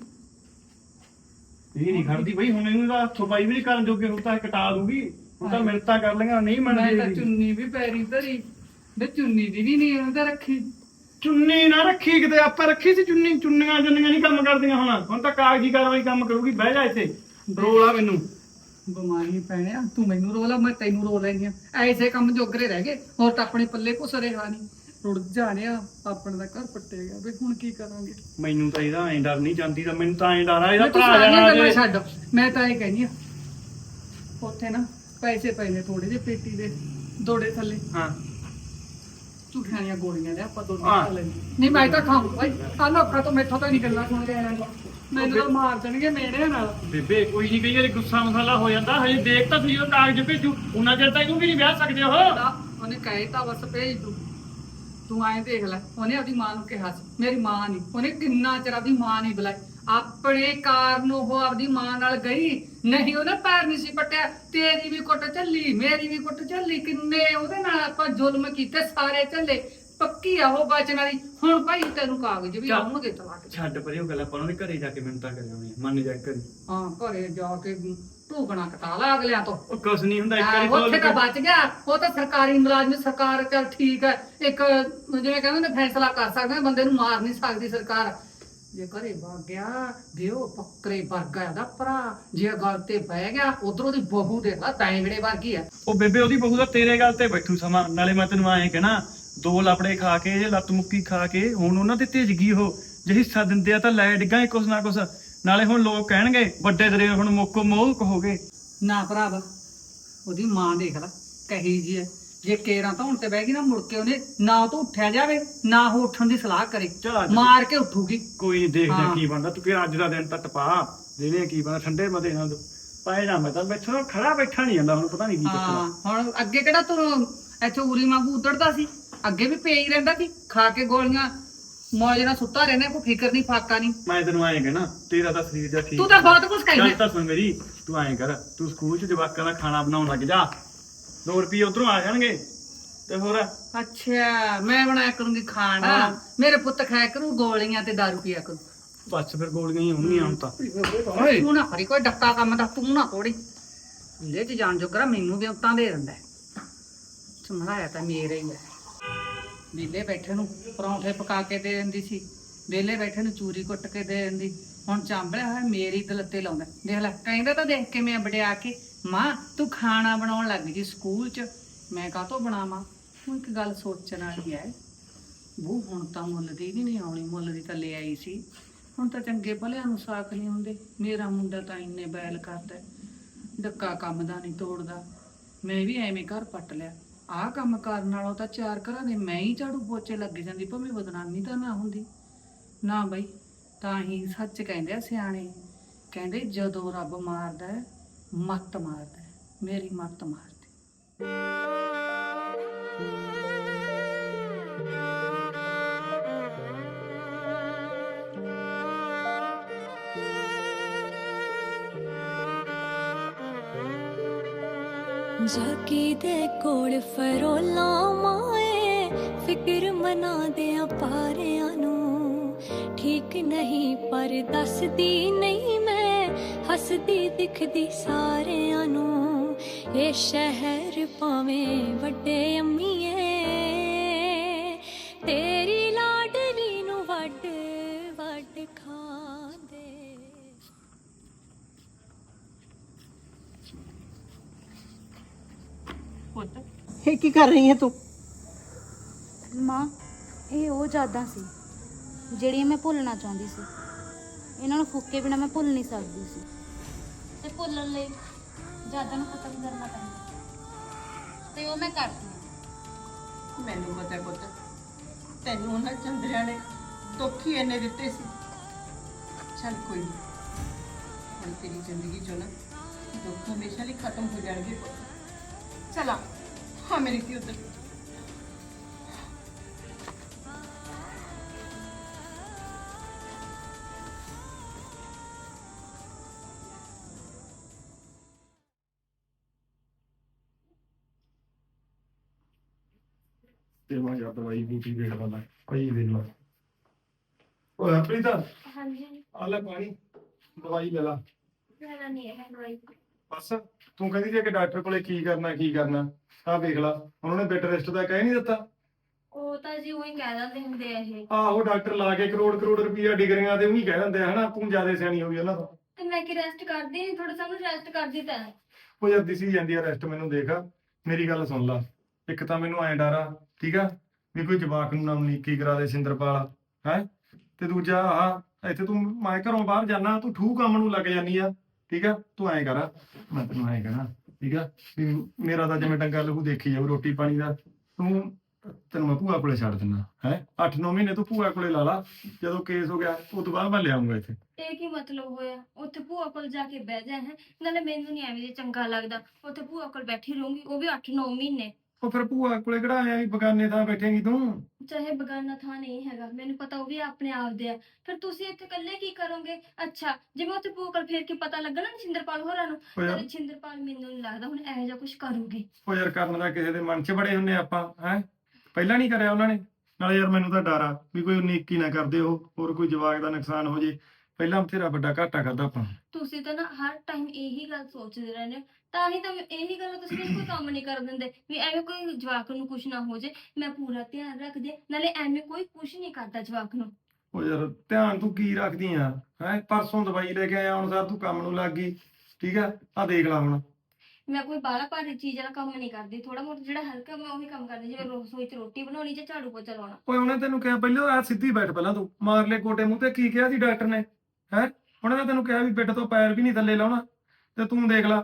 [SPEAKER 3] ਇਹ ਨਹੀਂ ਖੜਦੀ ਬਈ ਹੁਣ ਇਹਨੂੰ ਤਾਂ ਸਫਾਈ ਵੀ ਨਹੀਂ ਕਰਨ ਜੋਗੇ ਹੁਣ ਤਾਂ ਇਹ ਕਟਾ ਦੂਗੀ ਹੁਣ ਤਾਂ ਮਿੰਟਾਂ ਕਰ ਲਈਆਂ ਨਹੀਂ
[SPEAKER 4] ਮੈਂ ਤਾਂ
[SPEAKER 3] ਮੰਨਦੀ
[SPEAKER 4] ਚੁੰਨੀ ਵੀ ਪੈਰੀ ਧਰੀ ਵੇ ਚੁੰਨੀ ਦੀ ਵੀ ਨਹੀਂ ਉਹਦਾ ਰੱਖੀ
[SPEAKER 3] ਚੁੰਨੀ ਨਾ ਰੱਖੀ ਕਿਤੇ ਆਪਾਂ ਰੱਖੀ ਸੀ ਚੁੰਨੀ ਚੁੰਨੀਆਂ ਚੁੰਨੀਆਂ ਨਹੀਂ ਕੰਮ ਕਰਦੀਆਂ ਹੁਣ ਹੁਣ ਤਾਂ ਕਾਗਜ਼ੀ ਕਾਰਵਾਈ ਕੰਮ ਕਰੂਗੀ ਬਹਿ ਜਾ ਇੱਥੇ ਰੋਲਾ ਮੈਨੂੰ
[SPEAKER 4] ਬਿਮਾਰੀ ਪੈਣਿਆ ਤੂੰ ਮੈਨੂੰ ਰੋਲਾ ਮੈਂ ਤੈਨੂੰ ਰੋ ਲੈਂਦੀ ਆ ਐਸੇ ਕੰਮ ਜੋਗਰੇ ਰਹਿ ਗਏ ਹੋਰ ਤਾਂ ਆਪਣੇ ਪੱਲੇ ਕੁਛ ਰਿਹਾ ਨਹੀਂ ਰੁੜ ਜਾਣਿਆ ਆਪਣੇ ਦਾ ਘਰ ਪੱਟੇ ਗਿਆ ਵੀ ਹੁਣ ਕੀ ਕਰਾਂਗੇ
[SPEAKER 3] ਮੈਨੂੰ ਤਾਂ ਇਹਦਾ ਐਂ ਡਰ ਨਹੀਂ ਜਾਂਦੀ ਤਾਂ ਮੈਨੂੰ ਤਾਂ ਐਂ ਡਰ ਆ ਇਹਦਾ
[SPEAKER 4] ਮੈਂ ਤੂੰ
[SPEAKER 3] ਭਰਾ
[SPEAKER 4] ਸਾਰੀਆਂ
[SPEAKER 3] ਜਾਣਾ
[SPEAKER 4] ਗੱਲਾਂ
[SPEAKER 3] ਜੇ
[SPEAKER 4] ਛੱਡ ਮੈਂ ਤਾਂ ਇਹ ਕਹਿੰਦੀ ਆ ਉੱਥੇ ਨਾ ਪੈਸੇ ਪਏ ਨੇ ਥੋੜੇ ਜਿਹੇ ਪੇਟੀ ਦੇ ਦੋੜੇ ਥੱਲੇ
[SPEAKER 3] ਹਾਂ
[SPEAKER 4] ਝੂਠੀਆਂ ਦੀਆਂ ਗੋਲੀਆਂ ਦੇ ਆਪਾਂ ਦੋਨੇ
[SPEAKER 3] ਹਾਂ।
[SPEAKER 4] ਖਾ ਲੈਂਦੇ ਨਹੀਂ ਮੈਂ ਤਾਂ ਖਾਊਂ ਭਾਈ ਆ ਲੋਕਾਂ ਤੋਂ ਮੈਥੋਂ ਤਾਂ ਨਹੀਂ ਗੱਲਾਂ ਸੁਣ ਕੇ ਆਇਆ ਮੈਨੂੰ ਤਾਂ ਮਾਰ ਦੇਣਗੇ ਮੇੜੇ ਨਾਲ
[SPEAKER 3] ਬੇਬੇ ਕੋਈ ਨਹੀਂ ਕਈ ਵਾਰੀ ਗੁੱਸਾ ਮਸਾਲਾ ਹੋ ਜਾਂਦਾ ਹਜੇ ਦੇਖ ਤਾਂ ਤੁਸੀਂ ਉਹ ਕਾਗਜ਼ ਭੇਜੂ ਉਹਨਾਂ ਚਿਰ ਤਾਂ ਇਹਨੂੰ ਵੀ ਨਹੀਂ ਵਿਆਹ ਸਕਦੇ ਉਹ
[SPEAKER 4] ਤਾਂ ਉਹਨੇ ਕਹੇ ਤਾਂ ਬਸ ਭੇਜ ਦੂ ਤੂੰ ਐਂ ਦੇਖ ਲੈ ਉਹਨੇ ਆਪਣੀ ਮਾਂ ਨੂੰ ਕਿਹਾ ਸੀ ਮੇਰੀ ਮਾਂ ਨਹੀਂ ਉਹਨੇ ਕਿੰਨਾ ਚਿਰ ਆਪਣੀ ਮਾਂ ਨਹੀਂ ਬੁਲਾਈ ਆਪਣੇ ਕਾਰਨ ਉਹ ਆਪਦੀ ਮਾਂ ਨਾਲ ਗਈ ਨਹੀਂ ਉਹਨੇ ਪੈਰ ਨਹੀਂ ਸੀ ਪੱਟਿਆ ਤੇਰੀ ਵੀ ਕੁੱਟ ਝੱਲੀ ਮੇਰੀ ਵੀ ਕੁੱਟ ਝੱਲੀ ਕਿੰਨੇ ਉਹਦੇ ਨਾਲ ਆਪਾਂ ਜ਼ੁਲਮ ਕੀਤੇ ਸਾਰੇ ਝੱਲੇ ਪੱਕੀ ਆ ਉਹ ਬਚਨ ਵਾਲੀ ਹੁਣ ਭਾਈ ਤੈਨੂੰ ਕਾਗਜ਼ ਵੀ
[SPEAKER 3] ਚੱਲ।
[SPEAKER 4] ਆਉਣਗੇ ਤਲਾਕ ਦੇ।
[SPEAKER 3] ਛੱਡ ਪਰੇ ਉਹ ਗੱਲ ਆਪਾਂ ਉਹਨਾਂ ਦੇ ਘਰੇ ਜਾ ਕੇ ਮਿੰਤਾ ਕਰ ਆਉਣੀ ਮੰਨ ਜਾ ਕਰੀ
[SPEAKER 4] ਹਾਂ ਘਰੇ ਜਾ ਕੇ ਢੂਕਣਾ ਕਟਾ ਲਾ ਅਗਲਿਆਂ ਤੋਂ
[SPEAKER 3] ਉਹ ਕੁਛ ਨਹੀਂ ਹੁੰਦਾ ਇੱਕ
[SPEAKER 4] ਹਾਂ,
[SPEAKER 3] ਵਾਰੀ
[SPEAKER 4] ਉੱਥੇ
[SPEAKER 3] ਖੋਲ
[SPEAKER 4] ਤਾਂ
[SPEAKER 3] ਕੇ
[SPEAKER 4] ਬਚ ਗਿਆ ਉਹ ਤਾਂ ਸਰਕਾਰੀ ਮੁਲਾਜ਼ਮ ਸਰਕਾਰ ਚੱਲ ਠੀਕ ਹੈ ਇੱਕ ਜਿਵੇਂ ਕਹਿੰਦੇ ਨੇ ਫੈਸਲਾ ਕਰ ਸਕਦੇ ਨੇ ਬੰਦੇ ਨੂੰ ਮਾਰ ਨਹੀਂ ਸਕਦੀ ਸਰਕਾਰ ਜੇ ਘਰੇ ਵਗ ਗਿਆ ਵੀ ਉਹ ਬੱਕਰੇ ਵਰਗਾ ਇਹਦਾ ਭਰਾ ਜੇ ਗੱਲ ਤੇ ਬਹਿ ਗਿਆ ਉਧਰੋਂ ਦੀ ਬਹੂ ਦੇਖ ਲਾ ਤੈਂਗੜੇ ਵਰਗੀ ਆ
[SPEAKER 3] ਉਹ ਬੇਬੇ ਉਹਦੀ ਬਹੂ ਦਾ ਤੇਰੇ ਗੱਲ ਤੇ ਬੈਠੂ ਸਮਾਂ ਨਾਲੇ ਮੈਂ ਤੈਨੂੰ ਐਂ ਕਹਿਣਾ ਦੋ ਲਪੜੇ ਖਾ ਕੇ ਜੇ ਲੱਤ ਮੁੱਕੀ ਖਾ ਕੇ ਹੁਣ ਉਹਨਾਂ ਤੇ ਤੇਜ ਗਈ ਉਹ ਜੇ ਹਿੱਸਾ ਦਿੰਦੇ ਆ ਤਾਂ ਲੈ ਡਿੱਗਾਂ ਕੁਛ ਨਾ ਕੁਛ ਨਾਲੇ ਹੁਣ ਲੋਕ ਕਹਿਣਗੇ ਵੱਡੇ ਦਰੇ ਹੁਣ ਮੁੱਕੋ ਮੋਹ ਕਹੋਗੇ
[SPEAKER 4] ਨਾ ਭਰਾਵਾ ਉਹਦੀ ਮਾਂ ਦੇਖ ਲਾ ਕਹੀ ਜੀ ਹੈ ਜੇ ਕੇਰਾਂ ਧੌਣ ਤੇ ਬਹਿ ਗਈ ਨਾ ਮੁੜ ਕੇ ਉਹਨੇ ਨਾ ਉਹ ਤੋਂ ਉੱਠਿਆ ਜਾਵੇ ਨਾ ਉਹ ਉੱਠਣ ਦੀ ਸਲਾਹ ਕਰੇ
[SPEAKER 3] ਚੱਲ ਅੱਜ
[SPEAKER 4] ਮਾਰ ਕੇ ਉੱਠੂਗੀ
[SPEAKER 3] ਕੋਈ ਨਹੀਂ ਦੇਖਦੇ
[SPEAKER 4] ਹਾਂ।
[SPEAKER 3] ਕੀ ਬਣਦਾ ਤੂੰ ਕਿ ਅੱਜ ਦਾ ਦਿਨ ਤਾਂ ਟਪਾ ਦੇਨੇ ਕੀ ਬਣਦਾ ਠੰਡੇ ਮਦੇ ਨਾਲ ਪਾਏ ਨਾ ਮੈਂ ਤਾਂ ਬੈਠਾ ਖੜਾ ਬੈਠਾ ਨਹੀਂ ਜਾਂਦਾ ਹੁਣ ਪਤਾ ਨਹੀਂ ਕੀ
[SPEAKER 4] ਹਾਂ
[SPEAKER 3] ਚੱਕਰ
[SPEAKER 4] ਹੁਣ ਅੱਗੇ ਕਿਹੜਾ ਤੂੰ ਇੱਥੇ ਉਰੀ ਵਾਂਗੂ ਉਧੜਦਾ ਸੀ ਅੱਗੇ ਵੀ ਪਈ ਰਹਿੰਦਾ ਸੀ ਖਾ ਕੇ ਗੋਲੀਆਂ ਮੌਜ ਨਾਲ ਸੁੱਤਾ ਰਹਿੰਦਾ ਕੋਈ ਫਿਕਰ ਨਹੀਂ ਫਾਕਾ ਨਹੀਂ
[SPEAKER 3] ਮੈਂ ਤੈਨੂੰ ਐਂ ਕਹਿਣਾ ਤੇਰਾ ਤਾਂ ਸਰੀਰ ਦਾ ਠੀਕ
[SPEAKER 4] ਤੂੰ ਤਾਂ ਬਹੁਤ ਕੁਝ
[SPEAKER 3] ਗੱਲ
[SPEAKER 4] ਕਹਿੰਦਾ
[SPEAKER 3] ਤਾਂ ਸੁਣ ਮੇਰੀ ਤੂੰ ਐਂ ਕਰ ਤੂੰ ਸਕੂਲ ਚ ਜਵਾਕਾਂ ਦਾ ਖਾਣਾ ਬਣਾਉਣ ਲੱਗ ਜਾ ਦੋ ਰੁਪਏ ਉਧਰੋਂ ਆ ਜਾਣਗੇ ਤੇ ਹੋਰ
[SPEAKER 4] ਅੱਛਾ ਮੈਂ ਬਣਾਇਆ ਕਰੂੰਗੀ ਖਾਣਾ
[SPEAKER 3] ਹਾਂ।
[SPEAKER 4] ਮੇਰੇ ਪੁੱਤ ਖਾਇਆ ਕਰੂ ਗੋਲੀਆਂ ਤੇ ਦਾਰੂ ਪੀਆ ਕਰੂ
[SPEAKER 3] ਬਸ ਫਿਰ ਗੋਲੀਆਂ ਹੀ ਹੋਣਗੀਆਂ ਹੁਣ ਤਾਂ
[SPEAKER 4] ਤੂੰ ਨਾ ਕਰੀ ਕੋਈ ਡੱਕਾ ਕੰਮ ਦਾ ਤੂੰ ਨਾ ਥੋੜੀ ਲੈ ਚ ਜਾਣ ਜੋਗਰਾ ਮੈਨੂੰ ਵੀ ਉਤਾਂ ਦੇ ਦਿੰਦਾ ਸਮਝਾਇਆ ਤਾਂ ਮੇਰੇ ਹੀ ਹੈ ਵਿਹਲੇ ਬੈਠੇ ਨੂੰ ਪਰੌਂਠੇ ਪਕਾ ਕੇ ਦੇ ਦਿੰਦੀ ਸੀ ਵਿਹਲੇ ਬੈਠੇ ਨੂੰ ਚੂਰੀ ਕੁੱਟ ਕੇ ਦੇ ਦਿੰਦੀ ਹੁਣ ਚਾਂਬਲਿਆ ਹੋਇਆ ਮੇਰੀ ਦਲੱਤੇ ਲਾਉਂਦਾ ਦੇਖ ਲੈ ਕਹਿੰਦਾ ਤਾਂ ਦੇਖ ਕੇ ਮੈਂ ਵੜਿਆ ਕੇ ਮਾਂ ਤੂੰ ਖਾਣਾ ਬਣਾਉਣ ਲੱਗ ਗਈ ਸਕੂਲ 'ਚ ਮੈਂ ਕਾਹਤੋਂ ਬਣਾਵਾਂ ਹੁਣ ਇੱਕ ਗੱਲ ਸੋਚਣ ਵਾਲੀ ਹੈ ਉਹ ਹੁਣ ਤਾਂ ਮੁੱਲ ਦੀ ਵੀ ਨਹੀਂ ਆਉਣੀ ਮੁੱਲ ਦੀ ਤਾਂ ਲੈ ਆਈ ਸੀ ਹੁਣ ਤਾਂ ਚੰਗੇ ਭਲਿਆਂ ਨੂੰ ਸਾਖ ਨਹੀਂ ਹੁੰਦੇ ਮੇਰਾ ਮੁੰਡਾ ਤਾਂ ਇੰਨੇ ਬੈਲ ਕਰਦਾ ਡੱਕਾ ਕੰਮ ਦਾ ਨਹੀਂ ਤੋੜਦਾ ਮੈਂ ਵੀ ਐਵੇਂ ਘਰ ਪੱਟ ਲਿਆ ਆਹ ਕੰਮ ਕਰਨ ਨਾਲੋਂ ਤਾਂ ਚਾਰ ਘਰਾਂ ਦੇ ਮੈਂ ਹੀ ਝਾੜੂ ਪੋਚੇ ਲੱਗ ਜਾਂਦੀ ਭਾਵੇਂ ਬਦਨਾਮੀ ਤਾਂ ਨਾ ਹੁੰਦੀ ਨਾ ਬਈ ਤਾਂ ਹੀ ਸੱਚ ਕਹਿੰਦੇ ਆ ਸਿਆਣੇ ਕਹਿੰਦੇ ਜਦੋਂ ਰੱਬ ਮਾਰਦਾ ਹੈ, ਮੱਤ ਮਾਰਦਾ ਹੈ। ਮੇਰੀ ਮੱਤ ਮਾਰਦੀ
[SPEAKER 6] ਜਾਕੀ ਦੇ ਕੋਲ ਫਰੋਲਾਂ ਮਾਏ ਫਿਕਰ ਮਨਾ ਦਿਆਂ ਪਾਰਿਆਂ ਨੂੰ ਠੀਕ ਨਹੀਂ ਪਰ ਦੱਸਦੀ ਨਹੀਂ ਮੈਂ ਹੱਸਦੀ ਦਿਖਦੀ ਸਾਰਿਆਂ ਨੂੰ ਇਹ ਸ਼ਹਿਰ ਭਾਵੇਂ ਵੱਡੇ ਅੰਮੀਏ ਤੇਰੀ ਲਾਡਲੀ ਨੂੰ ਵੱਡ ਵੱਡ ਖਾਂਦੇ।
[SPEAKER 4] ਪੁੱਤ
[SPEAKER 7] ਇਹ ਕੀ ਕਰ ਰਹੀ ਹੈ ਤੂੰ?
[SPEAKER 8] ਮਾਂ ਇਹ ਉਹ ਯਾਦਾਂ ਸੀ ਜਿਹੜੀਆਂ ਮੈਂ ਭੁੱਲਣਾ ਚਾਹੁੰਦੀ ਸੀ ਇਹਨਾਂ ਨੂੰ ਫੁੱਕੇ ਬਿਨਾ ਮੈਂ ਭੁੱਲ ਨਹੀਂ ਸਕਦੀ ਸੀ ਤੇ ਭੁੱਲਣ ਲਈ ਯਾਦਾਂ ਨੂੰ ਖਤਮ ਕਰਨਾ ਪੈਂਦਾ ਤੇ ਉਹ ਮੈਂ ਕਰਦੀ ਹਾਂ।
[SPEAKER 7] ਮੈਨੂੰ ਪਤਾ ਹੈ ਪੁੱਤ, ਤੈਨੂੰ ਉਹਨਾਂ ਚੰਦਰਿਆਂ ਨੇ ਦੁੱਖ ਹੀ ਇੰਨੇ ਦਿੱਤੇ ਸੀ। ਚੱਲ ਕੋਈ ਨਹੀਂ, ਹੁਣ ਤੇਰੀ ਜ਼ਿੰਦਗੀ ਚੋਂ ਨਾ ਦੁੱਖ ਹਮੇਸ਼ਾ ਲਈ ਖਤਮ ਹੋ ਜਾਣਗੇ ਪੁੱਤ। ਚਲਾ ਹਾਂ ਮੇਰੀ ਧੀ ਉੱਧਰ।
[SPEAKER 3] ਤੇ ਮੈਂ ਯਾਰ ਦਵਾਈ ਬੂਟੀ ਦੇਖ ਲਾ ਕਈ ਦਿਨ ਲਾ ਓਏ ਆਪਣੀ ਤਾਂ
[SPEAKER 5] ਹਾਂਜੀ
[SPEAKER 3] ਆ ਲੈ ਪਾਣੀ ਦਵਾਈ ਲੈ ਲਾ
[SPEAKER 5] ਲੈਣਾ ਨਹੀਂ ਹੈ ਦਵਾਈ
[SPEAKER 3] ਬਸ ਤੂੰ ਕਹਿੰਦੀ ਜੇ ਕਿ ਡਾਕਟਰ ਕੋਲੇ ਕੀ ਕਰਨਾ ਕੀ ਕਰਨਾ ਆਹ ਦੇਖ ਲਾ ਉਹਨਾਂ ਨੇ ਬੈੱਡ ਰੈਸਟ ਦਾ ਕਹਿ ਨਹੀਂ ਦਿੱਤਾ
[SPEAKER 5] ਉਹ ਤਾਂ ਜੀ ਉਹੀ ਕਹਿ ਦਿੰਦੇ ਹੁੰਦੇ ਆ ਇਹ
[SPEAKER 3] ਆਹੋ ਡਾਕਟਰ ਲਾ ਕੇ ਕਰੋੜ ਕਰੋੜ ਰੁਪਈਆ ਡਿਗਰੀਆਂ ਤੇ ਉਹੀ ਕਹਿ ਦਿੰਦੇ ਆ ਹਨਾ ਤੂੰ ਜ਼ਿਆਦਾ ਸਿਆਣੀ ਹੋ ਗਈ ਉਹਨਾਂ ਤੋਂ
[SPEAKER 5] ਤੇ ਮੈਂ ਕੀ ਰੈਸਟ ਕਰਦੀ ਨਹੀਂ ਥੋੜਾ ਸਾਨੂੰ ਰੈਸਟ ਕਰਦੀ ਤਾਂ
[SPEAKER 3] ਉਹ ਯਾਰ ਦਿਸੀ ਜਾਂਦੀ ਆ ਰੈਸਟ ਮੈਨੂੰ ਦੇਖ ਮੇਰੀ ਗੱਲ ਸੁਣ ਲਾ ਇੱਕ ਤਾਂ ਮੈਨੂੰ ਐਂ ਡਰ ਆ ਠੀਕ ਆ ਵੀ ਕੋਈ ਜਵਾਕ ਨੂੰ ਨਾ ਉਨੀਕੀ ਕਰਾ ਦੇ ਸਿੰਦਰਪਾਲ ਹੈ ਤੇ ਦੂਜਾ ਆਹ ਇੱਥੇ ਤੂੰ ਮੈਂ ਘਰੋਂ ਬਾਹਰ ਜਾਣਾ ਤੂੰ ਠੂ ਕੰਮ ਨੂੰ ਲੱਗ ਜਾਨੀ ਆ ਠੀਕ ਆ ਤੂੰ ਐਂ ਕਰ ਮੈਂ ਤੈਨੂੰ ਐਂ ਕਹਿਣਾ ਠੀਕ ਆ ਵੀ ਮੇਰਾ ਤਾਂ ਜਿਵੇਂ ਡੰਗਾ ਲਹੂ ਦੇਖੀ ਜਾਊ ਰੋਟੀ ਪਾਣੀ ਦਾ ਤੂੰ ਤੈਨੂੰ ਮੈਂ ਭੂਆ ਕੋਲੇ ਛੱਡ ਦਿੰਦਾ ਹੈ ਅੱਠ ਨੌ ਮਹੀਨੇ ਤੂੰ ਭੂਆ ਕੋਲੇ ਲਾ ਲਾ ਜਦੋਂ ਕੇਸ ਹੋ ਗਿਆ ਉਸ ਤੋਂ ਬਾਅਦ ਮੈਂ ਲਿਆਉਂਗਾ ਇੱਥੇ
[SPEAKER 9] ਇਹ ਕੀ ਮਤਲਬ ਹੋਇਆ ਉੱਥੇ ਭੂਆ ਕੋਲ ਜਾ ਕੇ ਬਹਿ ਜਾ ਹੈ ਨਾਲੇ ਮੈਨੂੰ ਨਹੀਂ ਐਵੇਂ ਜੇ ਚੰਗਾ ਲੱਗਦਾ ਉੱਥੇ ਭੂਆ ਕੋਲ ਬੈਠੀ ਰਹੂੰਗੀ ਉਹ ਵੀ ਅੱਠ ਨੌ ਮਹੀਨੇ
[SPEAKER 3] ਉਹ ਫਿਰ ਭੂਆ ਕੋਲੇ ਕਿਹੜਾ ਆਇਆ ਵੀ ਬਗਾਨੇ ਥਾਂ ਬੈਠੇਂਗੀ ਤੂੰ
[SPEAKER 9] ਚਾਹੇ ਬਗਾਨਾ ਥਾਂ ਨਹੀਂ ਹੈਗਾ ਮੈਨੂੰ ਪਤਾ ਉਹ ਵੀ ਆਪਣੇ ਆਪ ਦੇ ਆ ਫਿਰ ਤੁਸੀਂ ਇੱਥੇ ਇਕੱਲੇ ਕੀ ਕਰੋਗੇ ਅੱਛਾ ਜਿਵੇਂ ਉੱਥੇ ਭੂਆ ਕੋਲ ਫੇਰ ਕੇ ਪਤਾ ਲੱਗਣਾ ਨਾ ਛਿੰਦਰਪਾਲ ਹੋਰਾਂ ਨੂੰ
[SPEAKER 3] ਉਹ ਯਾਰ
[SPEAKER 9] ਨਾਲੇ ਛਿੰਦਰਪਾਲ ਮੈਨੂੰ ਨਹੀਂ ਲੱਗਦਾ ਹੁਣ ਇਹੋ ਜਿਹਾ ਕੁਝ ਕਰੂਗੀ
[SPEAKER 3] ਉਹ ਯਾਰ ਕਰਨ ਦਾ ਕਿਸੇ ਦੇ ਮਨ 'ਚ ਬੜੇ ਹੁੰਨੇ ਆਪਾਂ ਹੈ ਪਹਿਲਾਂ ਨਹੀਂ ਕਰਿਆ ਉਹਨਾਂ ਨੇ ਨਾਲੇ ਯਾਰ ਮੈਨੂੰ ਤਾਂ ਡਰ ਆ ਵੀ ਕੋਈ ਉਨੀਕੀ ਨਾ ਕਰਦੇ ਉਹ ਹੋਰ ਕੋਈ ਜਵਾਕ ਦਾ ਨੁਕਸਾਨ ਹੋ ਜੇ ਪਹਿਲਾਂ ਬਥੇਰਾ ਵੱਡਾ ਘਾਟਾ ਕਰਦਾ ਆਪਾਂ
[SPEAKER 9] ਤੁਸੀਂ ਤਾਂ ਨਾ ਹਰ ਟਾਈਮ ਇਹੀ ਗੱਲ ਸੋਚਦੇ ਰਹਿੰਦੇ ਹੋ ਤਾਂ ਹੀ ਤਾਂ ਮੈਂ ਇਹੀ ਗੱਲ ਤੁਸੀਂ ਮੈਨੂੰ ਕੋਈ ਕੰਮ ਨਹੀਂ ਕਰਨ ਦਿੰਦੇ ਵੀ ਐਵੇਂ ਕੋਈ ਜਵਾਕ ਨੂੰ ਕੁਝ ਨਾ ਹੋ ਜੇ ਮੈਂ ਪੂਰਾ ਧਿਆਨ ਰੱਖਦੀ ਹਾਂ, ਨਾਲੇ ਐਵੇਂ ਕੋਈ ਕੁਝ ਨਹੀਂ ਕਰਦਾ ਜਵਾਕ ਨੂੰ
[SPEAKER 3] ਉਹ ਯਾਰ ਧਿਆਨ ਤੂੰ ਕੀ ਰੱਖਦੀ ਆ ਹੈ ਪਰਸੋਂ ਦਵਾਈ ਲੈ ਕੇ ਆਇਆ ਹੁਣ ਸਰ ਤੂੰ ਕੰਮ ਨੂੰ ਲੱਗ ਗਈ ਠੀਕ ਆ ਆ ਦੇਖ ਲੈ ਹੁਣ
[SPEAKER 9] ਮੈਂ ਕੋਈ ਬਾਹਲਾ ਭਾਰੀ ਚੀਜ਼ ਵਾਲਾ ਕੰਮ ਨਹੀਂ ਕਰਦੀ ਥੋੜਾ ਮੋਟਾ ਜਿਹੜਾ ਹਲਕਾ ਮੈਂ ਉਹੀ ਕੰਮ ਕਰਦੀ ਜਿਵੇਂ ਰਸੋਈ 'ਚ ਰੋਟੀ ਬਣਾਉਣੀ ਜਾਂ ਝਾੜੂ ਪੋਚਾ ਲਾਉਣਾ
[SPEAKER 3] ਓਏ ਉਹਨੇ ਤੈਨੂੰ ਕਿਹਾ ਪਹਿਲਾਂ ਆ ਸਿੱਧੀ ਬੈਠ ਪਹਿਲਾਂ ਤੂੰ ਮਾਰ ਲੈ ਕੋਟੇ ਮੂੰਹ ਤੇ ਕੀ ਕਿਹਾ ਸੀ ਡਾਕਟਰ ਨੇ ਹੈ ਉਹਨੇ ਤਾਂ ਤੈਨੂੰ ਕਿਹਾ ਵੀ ਬਿੱਡ ਤੋਂ ਪੈਰ ਵੀ ਨਹੀਂ ਥੱਲੇ ਲਾਉਣਾ ਤੇ ਤੂੰ ਦੇਖ ਲੈ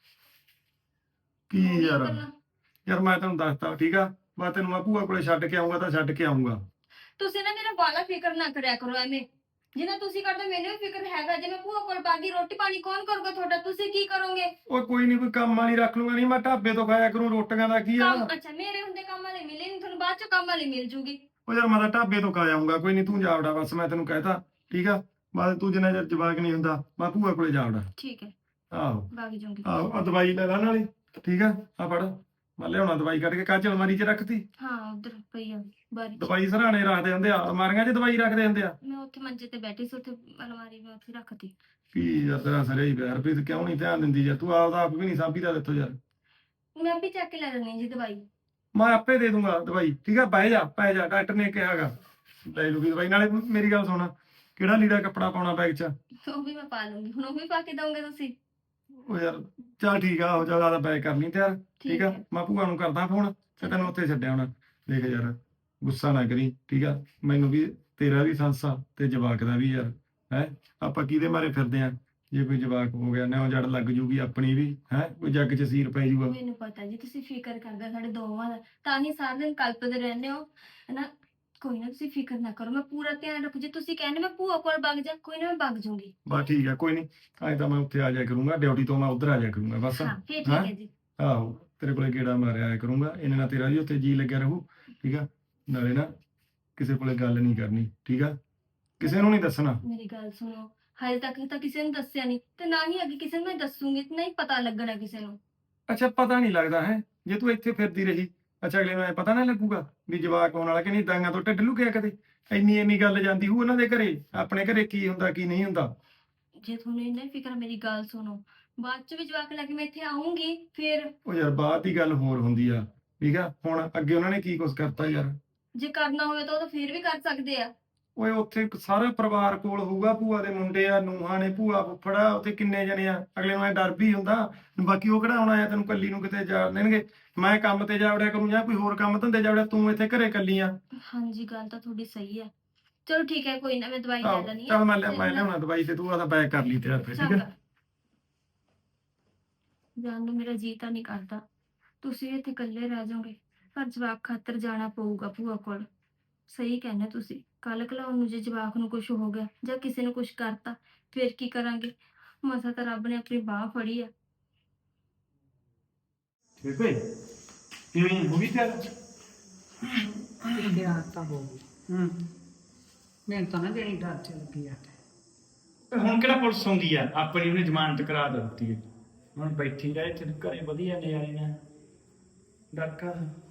[SPEAKER 3] ਕੀ
[SPEAKER 9] ਉਹੀ
[SPEAKER 3] ਯਾਰ
[SPEAKER 9] ਕਰਨਾ।
[SPEAKER 3] ਯਾਰ ਮੈਂ ਤੈਨੂੰ ਦੱਸਤਾ ਠੀਕ ਆ ਮੈਂ ਤੈਨੂੰ ਮੈਂ ਭੂਆ ਕੋਲੇ ਛੱਡ ਕੇ ਆਉਂਗਾ ਤਾਂ ਛੱਡ ਕੇ ਆਉਂਗਾ
[SPEAKER 9] ਤੁਸੀਂ ਨਾ ਮੇਰਾ ਬਾਲਾ ਫਿਕਰ ਨਾ ਕਰਿਆ ਕਰੋ ਐਵੇਂ ਜਿੰਨਾ ਤੁਸੀਂ ਕਰਦੇ ਮੈਨੂੰ ਵੀ ਫਿਕਰ ਹੈਗਾ ਜੇ ਮੈਂ ਭੂਆ ਕੋਲ ਬਾਗੀ ਰੋਟੀ ਪਾਣੀ ਕੌਣ ਕਰੂਗਾ ਤੁਹਾਡਾ ਤੁਸੀਂ ਕੀ ਕਰੋਗੇ
[SPEAKER 3] ਓਏ ਕੋਈ ਨਹੀਂ ਕੋਈ ਕੰਮ ਵਾਲੀ ਰੱਖ ਲੂੰਗਾ ਨਹੀਂ ਮੈਂ ਢਾਬੇ ਤੋਂ ਖਾਇਆ ਕਰੂੰ ਰੋਟੀਆਂ ਦਾ ਕੀ ਆ
[SPEAKER 9] ਕੰਮ ਅੱਛਾ ਮੇਰੇ ਹੁੰਦੇ ਕੰਮ ਵਾਲੇ ਮਿਲੇ ਨਹੀਂ ਤੁਹਾਨੂੰ ਬਾਅਦ ਚ ਕੰਮ ਵਾਲੀ ਮਿਲ ਜੂਗੀ
[SPEAKER 3] ਉਹ ਯਾਰ ਮੈਂ ਤਾਂ ਢਾਬੇ ਤੋਂ ਖਾ ਆਉਂਗਾ ਕੋਈ ਨਹੀਂ ਤੂੰ ਜਾ ਵੜਾ ਬਸ ਮੈਂ ਤੈਨੂੰ ਕਹਿਤਾ ਠੀਕ ਆ ਬਾਅਦ ਤੂੰ ਜਿੰਨਾ ਚਿਰ ਜਵਾਕ ਨਹੀਂ ਹੁੰਦਾ ਮੈਂ ਭੂਆ ਕੋਲੇ ਜਾ ਵੜਾ
[SPEAKER 9] ਠੀਕ ਹੈ
[SPEAKER 3] ਆਹੋ
[SPEAKER 9] ਬਾਗ ਜੂਗੀ
[SPEAKER 3] ਆਹੋ ਆ ਦਵਾਈ ਲੈ ਲੈ ਨਾਲੇ ਠੀਕ ਆ ਆ ਫੜ ਮੈਂ ਲਿਆਉਣਾ ਦਵਾਈ ਕੱਢ ਕੇ ਕੱਚ ਅਲਮਾਰੀ 'ਚ ਰੱਖਤੀ
[SPEAKER 9] ਹਾਂ ਉਧਰ ਪਈ ਆ ਬਾਰੀ ਚ।
[SPEAKER 3] ਦਵਾਈ ਸਰਾਣੇ ਰੱਖਦੇ ਹੁੰਦੇ ਆ ਅਲਮਾਰੀਆਂ 'ਚ ਦਵਾਈ ਰੱਖਦੇ ਹੁੰਦੇ ਆ
[SPEAKER 9] ਮੈਂ ਉੱਥੇ ਮੰਜੇ ਤੇ ਬੈਠੀ ਸੀ ਉੱਥੇ ਅਲਮਾਰੀ ਮੈਂ ਉੱਥੇ ਰੱਖਤੀ
[SPEAKER 3] ਕੀ ਯਾਰ ਤੇਰਾ ਸਰੇ ਹੀ ਪਿਆ ਹਰਪ੍ਰੀਤ ਕਿਉਂ ਨਹੀਂ ਧਿਆਨ ਦਿੰਦੀ ਯਾਰ ਤੂੰ ਆਪਦਾ ਆਪ ਵੀ ਨਹੀਂ ਸਾਂਭੀਦਾ ਦਿੱਤੋ ਯਾਰ
[SPEAKER 9] ਮੈਂ ਵੀ ਚੱਕ ਕੇ ਲੈ ਲੈਣੀ ਜੀ ਦਵਾਈ
[SPEAKER 3] ਮੈਂ ਆਪੇ ਦੇ ਦੂੰਗਾ ਦਵਾਈ ਠੀਕ ਆ ਬਹਿ ਜਾ ਪੈ ਜਾ ਡਾਕਟਰ ਨੇ ਕਿਹਾਗਾ ਲੈ ਲੂਗੀ ਦਵਾਈ ਨਾਲੇ ਮੇਰੀ ਗੱਲ ਸੁਣ ਕਿਹੜਾ ਲੀੜਾ ਕੱਪੜਾ ਪਾਉਣਾ ਬੈਗ 'ਚ
[SPEAKER 9] ਉਹ ਵੀ ਮੈਂ ਪਾ ਲੂੰਗੀ ਹੁਣ ਉਹ ਵੀ ਪਾ ਕੇ ਦਊਂਗੇ ਤੁਸੀਂ
[SPEAKER 3] ਉਹ ਯਾਰ ਚੱਲ ਠੀਕ ਆ ਹੋ ਜਾ ਜ਼ਿਆਦਾ ਬੈਗ ਕਰ ਲਈ ਤਿਆਰ ਠੀਕ ਆ
[SPEAKER 9] ਹੈ।
[SPEAKER 3] ਮੈਂ ਭੂਆ ਨੂੰ ਕਰਦਾ ਫੋਨ ਤੇ ਤੈਨੂੰ ਉੱਥੇ ਛੱਡਿਆ ਹੁਣ ਦੇਖ ਯਾਰ ਗੁੱਸਾ ਨਾ ਕਰੀ ਠੀਕ ਆ ਮੈਨੂੰ ਵੀ ਤੇਰਾ ਵੀ ਸੰਸਾ ਤੇ ਜਵਾਕ ਦਾ ਵੀ ਯਾਰ ਹੈ ਆਪਾਂ ਕਿਹਦੇ ਮਾਰੇ ਫਿਰਦੇ ਆ ਜੇ ਕੋਈ ਜਵਾਕ ਹੋ ਗਿਆ ਨਾ ਜੜ ਲੱਗ ਜੂਗੀ ਆਪਣੀ ਵੀ ਹੈ ਕੋਈ ਜੱਗ 'ਚ ਸੀਰ ਪੈ ਜੂਗਾ
[SPEAKER 9] ਮੈਨੂੰ ਪਤਾ ਜੀ ਤੁਸੀਂ ਫਿਕਰ ਕਰਦੇ ਸਾਡੇ ਦੋਵਾਂ ਦਾ ਤਾਂ ਹੀ ਸਾਰਾ ਦਿਨ ਕਲਪਦੇ ਰਹਿੰਦੇ ਹੋ ਹਨਾ ਕੋਈ ਨਾ ਤੁਸੀਂ ਫਿਕਰ ਨਾ ਕਰੋ ਮੈਂ ਪੂਰਾ ਧਿਆਨ ਰੱਖੂ ਜੇ ਤੁਸੀਂ ਕਹਿੰਦੇ ਮੈਂ ਭੂਆ ਕੋਲ ਵਗ ਜਾ ਕੋਈ ਨਾ ਮੈਂ ਵਗ ਜੂੰਗੀ
[SPEAKER 3] ਬਸ ਠੀਕ ਆ ਕੋਈ ਨਹੀਂ ਅੱਜ ਤਾਂ ਮੈਂ ਉੱਥੇ ਆ ਜਾਇਆ ਕਰੂੰਗਾ ਡਿਊਟੀ ਤੋਂ ਮੈਂ ਉੱਧਰ ਆ ਜਾਇਆ ਕਰੂੰਗਾ ਬਸ
[SPEAKER 9] ਹਾਂ ਫੇਰ ਠੀਕ
[SPEAKER 3] ਹੈਂ?
[SPEAKER 9] ਹੈ ਜੀ
[SPEAKER 3] ਆਹੋ ਤੇਰੇ ਕੋਲੇ ਗੇੜਾ ਮਾਰਿਆ ਆਇਆ ਕਰੂੰਗਾ ਇਹਨਾਂ ਨਾਲ ਤੇਰਾ ਵੀ ਉੱਥੇ ਜੀ ਲੱਗਿਆ ਰਹੂ ਠੀਕ ਆ ਨਾਲੇ ਨਾ ਕਿਸੇ ਕੋਲੇ ਗੱਲ ਨਹੀਂ ਕਰਨੀ ਠੀਕ ਆ ਕਿਸੇ ਨੂੰ ਨਹੀਂ ਦੱਸਣਾ
[SPEAKER 9] ਮੇਰੀ ਗੱਲ ਸੁਣੋ ਹਜੇ ਤੱਕ ਤਾਂ ਕਿਸੇ ਨੂੰ ਦੱਸਿਆ ਨਹੀਂ ਤੇ ਨਾ ਹੀ ਅੱਗੇ ਕਿਸੇ ਨੂੰ ਮੈਂ ਦੱਸੂਗੀ ਤੇ ਨਹੀਂ ਪਤਾ ਲੱਗਣਾ ਕਿਸੇ ਨੂੰ
[SPEAKER 3] ਅੱਛਾ ਪਤਾ ਨਹੀਂ ਲੱਗਦਾ ਹੈ ਜੇ ਤੂੰ ਇੱਥੇ ਫਿਰਦੀ ਰਹੀ ਅੱਛਾ ਅਗਲੇ ਨੂੰ ਐ ਪਤਾ ਨਾ ਲੱਗੂਗਾ ਵੀ ਜਵਾਕ ਆਉਣ ਵਾਲਾ ਕਿ ਨਹੀਂ ਦਾਂਗਾ ਤੋਂ ਢਿੱਡ ਲੁਕਿਆ ਕਦੇ ਇੰਨੀ ਇੰਨੀ ਗੱਲ ਜਾਂਦੀ ਹੂ ਉਹਨਾਂ ਦੇ ਘਰੇ ਆਪਣੇ ਘਰੇ ਕੀ ਹੁੰਦਾ ਕੀ ਨਹੀਂ ਹੁੰਦਾ
[SPEAKER 9] ਜੇ ਤੁਹਾਨੂੰ ਇੰਨਾ ਹੀ ਫਿਕਰ ਆ, ਮੇਰੀ ਗੱਲ ਸੁਣੋ ਬਾਅਦ ਚ ਵੀ ਜਵਾਕ ਲੈ ਕੇ ਮੈਂ ਇੱਥੇ ਆਉਂਗੀ ਫਿਰ
[SPEAKER 3] ਉਹ ਯਾਰ ਬਾਅਦ ਦੀ ਗੱਲ ਹੋਰ ਹੁੰਦੀ ਆ ਠੀਕ ਆ ਹੁਣ ਅੱਗੇ ਉਹਨਾਂ ਨੇ ਕੀ ਕੁਛ ਕਰਤਾ ਯਾਰ
[SPEAKER 9] ਜੇ ਕਰਨਾ ਹੋਵੇ ਤਾਂ ਉਹ ਤਾਂ ਫਿਰ ਵੀ ਕਰ ਸਕਦੇ ਆ
[SPEAKER 3] ਓਏ ਉੱਥੇ ਇੱਕ ਸਾਰਾ ਪਰਿਵਾਰ ਕੋਲ ਹੋਊਗਾ ਭੂਆ ਦੇ ਮੁੰਡੇ ਆ ਨੂੰਹਾਂ ਨੇ ਭੂਆ ਫੁੱਫੜਾ ਉੱਥੇ ਕਿੰਨੇ ਜਣੇ ਆ ਅਗਲੇ ਨੂੰ ਐ ਡਰ ਵੀ ਹੁੰਦਾ ਬਾਕੀ ਉਹ ਕਿਹੜਾ ਆਉਣਾ ਆ ਤੈਨੂੰ ਕੱਲੀ ਨੂੰ ਕਿਤੇ ਜਾ ਦੇਣਗੇ ਮੈਂ ਕੰਮ ਤੇ ਜਾ ਵੜਿਆ ਕਰੂੰ ਜਾਂ ਕੋਈ ਹੋਰ ਕੰਮ ਧੰਦੇ ਜਾ ਵੜਿਆ ਤੂੰ ਇੱਥੇ ਘਰੇ ਕੱਲੀ ਆ
[SPEAKER 9] ਹਾਂਜੀ ਗੱਲ ਤਾਂ ਤੁਹਾਡੀ ਸਹੀ ਹੈ ਚਲੋ ਠੀਕ ਹੈ ਕੋਈ ਨਾ ਮੈਂ ਦਵਾਈ ਲੈ
[SPEAKER 3] ਆਹੋ,
[SPEAKER 9] ਲੈਣੀ
[SPEAKER 3] ਚੱਲ ਮੈਂ ਲਿਆ ਮੈਂ ਲਿਆਉਣਾ ਦਵਾਈ ਤੇ ਤੂੰ ਆਦਾ ਬੈਗ ਕਰ ਲਈ ਤਿਆਰ ਫਿਰ ਠੀਕ ਹੈ
[SPEAKER 9] ਜਾਨ ਨੂੰ ਮੇਰਾ ਜੀ ਤਾਂ ਨਹੀਂ ਕਰਦਾ ਤੁਸੀਂ ਇੱਥੇ ਇਕੱਲੇ ਰਹਿ ਜਾਓਗੇ ਪਰ ਜਵਾਕ ਖਾਤਰ ਜਾਣਾ ਪਊਗਾ ਭੂਆ ਕੋਲ ਸਹੀ ਕਹਿੰਦੇ ਤੁਸੀਂ ਕੱਲ ਕਲਾਉਣ ਨੂੰ ਜੇ ਜਵਾਕ ਨੂੰ ਕੁਝ ਹੋ ਗਿਆ ਜਾਂ ਕਿਸੇ ਨੂੰ ਕੁਝ ਕਰਤਾ ਫਿਰ ਕੀ ਕਰਾਂਗੇ ਮਸਾ ਤਾਂ ਰੱਬ ਨੇ ਆਪਣੀ ਬਾਹ ਫੜੀ ਆ
[SPEAKER 3] ਠੀਕ ਹੈ ਕਿਵੇਂ ਹੋ ਗਈ ਤਿਆਰ
[SPEAKER 4] ਤਿਆਰ ਤਾਂ ਹੋ ਗਈ ਹੂੰ ਮੈਨੂੰ ਤਾਂ ਨਾ ਜਿਹੜੀ ਡਰ ਚ ਲੱਗੀ ਆ
[SPEAKER 3] ਹੁਣ ਕਿਹੜਾ ਪੁਲਿਸ ਆਉਂਦੀ ਆ ਆਪਣੀ ਉਹਨੇ ਜ਼ਮਾਨਤ ਕਰਾ ਦਿੱਤੀ ਹੈ ਹੁਣ ਬੈਠੀ ਰਹੇ ਇੱਥੇ ਘਰੇ ਵਧੀਆ ਨਜ਼ਾਰੇ ਨਾਲ ਡਾਕਾ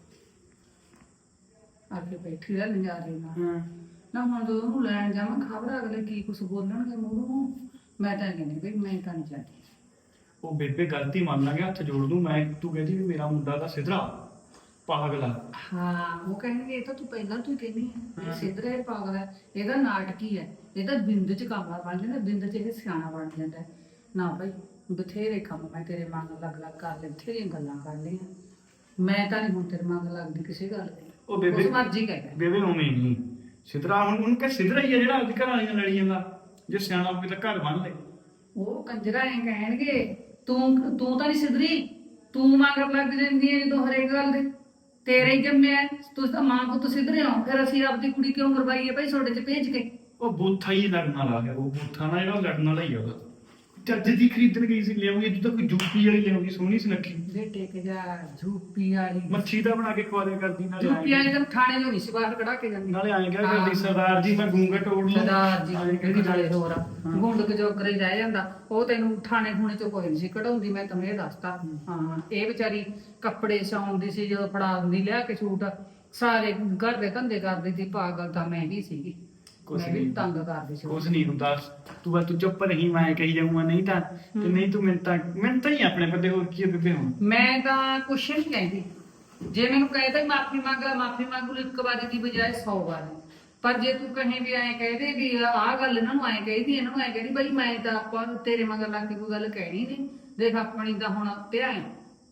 [SPEAKER 4] ਆ ਕੇ ਬੈਠੀ ਰਹਿ ਨਜ਼ਾਰੇ ਨਾਲ
[SPEAKER 3] ਹਾਂ
[SPEAKER 4] ਨਾ ਹੁਣ ਜਦੋਂ ਉਹਨੂੰ ਲੈਣ ਜਾਵਾਂ ਖਬਰ ਅਗਲੇ ਕੀ ਕੁਛ ਬੋਲਣਗੇ ਮੂਹਰੋਂ ਮੈਂ ਤਾਂ ਕਹਿੰਦੀ ਵੀ ਮੈਂ ਤਾਂ ਨਹੀਂ ਜਾਂਦੀ
[SPEAKER 3] ਉਹ ਬੇਬੇ ਗਲਤੀ ਮੰਨ ਲਾਂਗੇ ਹੱਥ ਜੋੜ ਦੂੰ ਮੈਂ ਤੂੰ ਕਹਿੰਦੀ ਵੀ ਮੇਰਾ ਮੁੰਡਾ ਤਾਂ ਸਿਧਰਾ ਪਾਗਲਾ
[SPEAKER 4] ਹਾਂ ਉਹ ਕਹਿੰਦੇ ਇਹ ਤਾਂ ਤੂੰ ਪਹਿਲਾਂ ਤੂੰ ਕਹਿੰਦੀ ਹੈ ਸਿੱਧਰਾ ਇਹ ਪਾਗਲ ਹੈ ਇਹਦਾ ਨਾਟਕੀ ਹੈ ਇਹ ਤਾਂ ਬਿੰਦ ਚ ਕਾਮਲਾ ਬਣ ਜਾਂਦਾ ਬਿੰਦ ਚ ਇਹ ਸਿਆਣਾ ਬਣ ਜਾਂਦਾ ਹੈ। ਨਾ ਭਾਈ ਬਥੇਰੇ ਕੰਮ ਮੈਂ ਤੇਰੇ ਮਨ ਲੱਗ ਲੱਗ ਕਰ ਲਏ, ਬਥੇਰੀਆਂ ਗੱਲਾਂ ਕਰ ਲਈਆਂ। ਮੈਂ ਤਾਂ ਨਹੀਂ ਹੁਣ ਤੇਰੇ ਮਨ ਲੱਗਦੀ ਕਿਸੇ ਗੱਲ ਦੀ।
[SPEAKER 3] ਉਹ ਬੇਬੇ
[SPEAKER 4] ਉਸ ਮਰਜ਼ੀ ਕਹਿ ਕਹਿ
[SPEAKER 3] ਬੇਬੇ ਉਵੇਂ ਨਹੀਂ ਸਿਧਰਾ, ਹੁਣ ਉਹਨੂੰ ਕਹ ਸਿਧਰਾ ਹੀ ਆ ਜਿਹੜਾ ਅੱਜ ਘਰ ਵਾਲੀਆਂ ਲੜੀ ਜਾਂਦਾ। ਜੇ ਸਿਆਣਾ ਹੋਵੇ ਤਾਂ ਘਰ ਬੰਨ ਲੈ।
[SPEAKER 4] ਉਹ ਕੰਜਰਾ ਐ ਕਹਿਣਗੇ ਤੂੰ ਤੂੰ ਤਾਂ ਨਹੀਂ ਸਿੱਧਰੀ, ਤੂੰ ਮਗਰ ਲੱਗ ਜਾਂਦੀ ਹੈ ਜਦੋਂ ਹਰੇਕ ਗੱਲ ਦੇ। ਤੇਰੇ ਹੀ ਜੰਮਿਆ ਤੁਸੀਂ ਤਾਂ ਮਾਂ ਪੁੱਤ ਸਿੱਧਰੇ ਹੋ, ਫਿਰ ਅਸੀਂ ਆਪਦੀ ਕੁੜੀ ਕਿਉਂ ਮਰਵਾਈਏ ਭਾਈ ਤੁਹਾਡੇ ਚ ਭੇਜ ਕੇ।
[SPEAKER 3] ਉਹ ਬੂਥਾ ਹੀ ਲੜਨ ਵਾਲਾ ਹੈ, ਉਹ ਬੂਥਾ ਨਾ ਜਿਹੜਾ ਲੜਨ ਵਾਲਾ ਹੀ ਆ ਉਹਦਾ। ਚੱਜ ਦੀ ਖਰੀਦਣ ਗਈ ਸੀ, ਲਿਆਉਂਗੀ ਤੂੰ ਤਾਂ ਕੋਈ ਜੂਪੀ ਵਾਲੀ ਲਿਆਉਂਗੀ, ਸੋਹਣੀ ਸੁਨੱਖੀ
[SPEAKER 4] ਬੇਟੇ ਕੇ ਜਾ ਝੂਪੀ ਵਾਲੀ
[SPEAKER 3] ਮੱਛੀ ਦਾ ਬਣਾ ਕੇ ਖਵਾ ਦਿਆ ਕਰਦੀ। ਨਾਲੇ
[SPEAKER 4] ਝੂਪੀ ਵਾਲੀ ਤਾਂ ਥਾਣੇ ਤੋਂ ਨਹੀਂ ਸੀ ਬਾਹਰ ਕਢਾ ਕੇ ਜਾਂਦੀ।
[SPEAKER 3] ਨਾਲੇ ਆਏ ਕਿਹਾ ਕਰਦੀ ਸਰਦਾਰ ਜੀ ਮੈਂ ਗੂੰਗਾ ਤੋੜ ਲੂੰ।
[SPEAKER 4] ਸਰਦਾਰ ਜੀ ਕਿਹੜੀ ਨਾਲੇ ਹੋਰ ਆ ਗੁੰਡ ਕਜੋਕਰੇ ਰਹਿ ਜਾਂਦਾ। ਉਹ ਤੈਨੂੰ ਥਾਣੇ ਥੂਣੇ ਚੋਂ ਕੋਈ ਨਹੀਂ ਸੀ ਕਢਾਉਂਦੀ, ਮੈਂ ਤੈਨੂੰ ਇਹ ਦੱਸਤਾ। ਹਾਂ ਇਹ ਵਿਚਾਰੀ ਕੱਪੜੇ ਸਿਉਂਦੀ ਸੀ, ਜਦੋਂ ਫੜਾ ਦਿੰਦੀ ਲਿਆ ਕੇ ਸੂਟ ਸਾਰੇ ਘਰ ਦੇ ਧੰਦੇ ਕਰਦੀ ਸੀ। ਪਾਗਲ ਤਾਂ ਮੈਂ ਵੀ ਸੀਗੀ, ਮੈਂ ਵੀ ਤੰਗ ਕਰਦੀ ਸੀ।
[SPEAKER 3] ਕੁਛ ਨਹੀਂ ਹੁੰਦਾ, ਤੂੰ ਬਸ ਤੂੰ ਚੁੱਪ ਰਹੀ, ਮੈਂ ਕਹੀ ਜਾਊਂਗਾ। ਨਹੀਂ ਤਾਂ ਤੇ ਨਹੀਂ ਤੂੰ ਮੈਨੂੰ ਤਾਂ ਮੈਨੂੰ ਤਾਂ ਹੀ ਆਪਣੇ ਬੰਦੇ ਹੋਰ ਕੀ ਬੇਬੇ ਹੁਣ।
[SPEAKER 4] ਮੈਂ ਤਾਂ ਕੁਛ ਨਹੀਂ ਕਹਿੰਦੀ, ਜੇ ਮੈਨੂੰ ਕਹਿੰਦਾ ਮਾਫੀ ਮੰਗ ਲੈ ਮਾਫੀ ਮੰਗ ਲੂ, ਇੱਕ ਵਾਰੀ ਦੀ ਬਜਾਏ ਸੌ ਵਾਰੀ। ਪਰ ਜੇ ਤੂੰ ਕਹੇ ਵੀ ਐਂ ਕਹਦੇ ਵੀ ਆਹ ਗੱਲ ਇਹਨਾਂ ਨੂੰ ਐਂ ਕਹੀਦੀ, ਇਹਨਾਂ ਨੂੰ ਐਂ ਕਹਿੰਦੀ, ਬਈ ਮੈਂ ਤਾਂ ਆਪਾਂ ਤੇਰੇ ਮਗਰ ਲੱਗ ਕੇ ਕੋਈ ਗੱਲ ਕਹਿਣੀ ਨਹੀਂ। ਦੇਖ ਆਪਣੀ ਤਾਂ ਹੁਣ ਪਿਆ ਹੈ।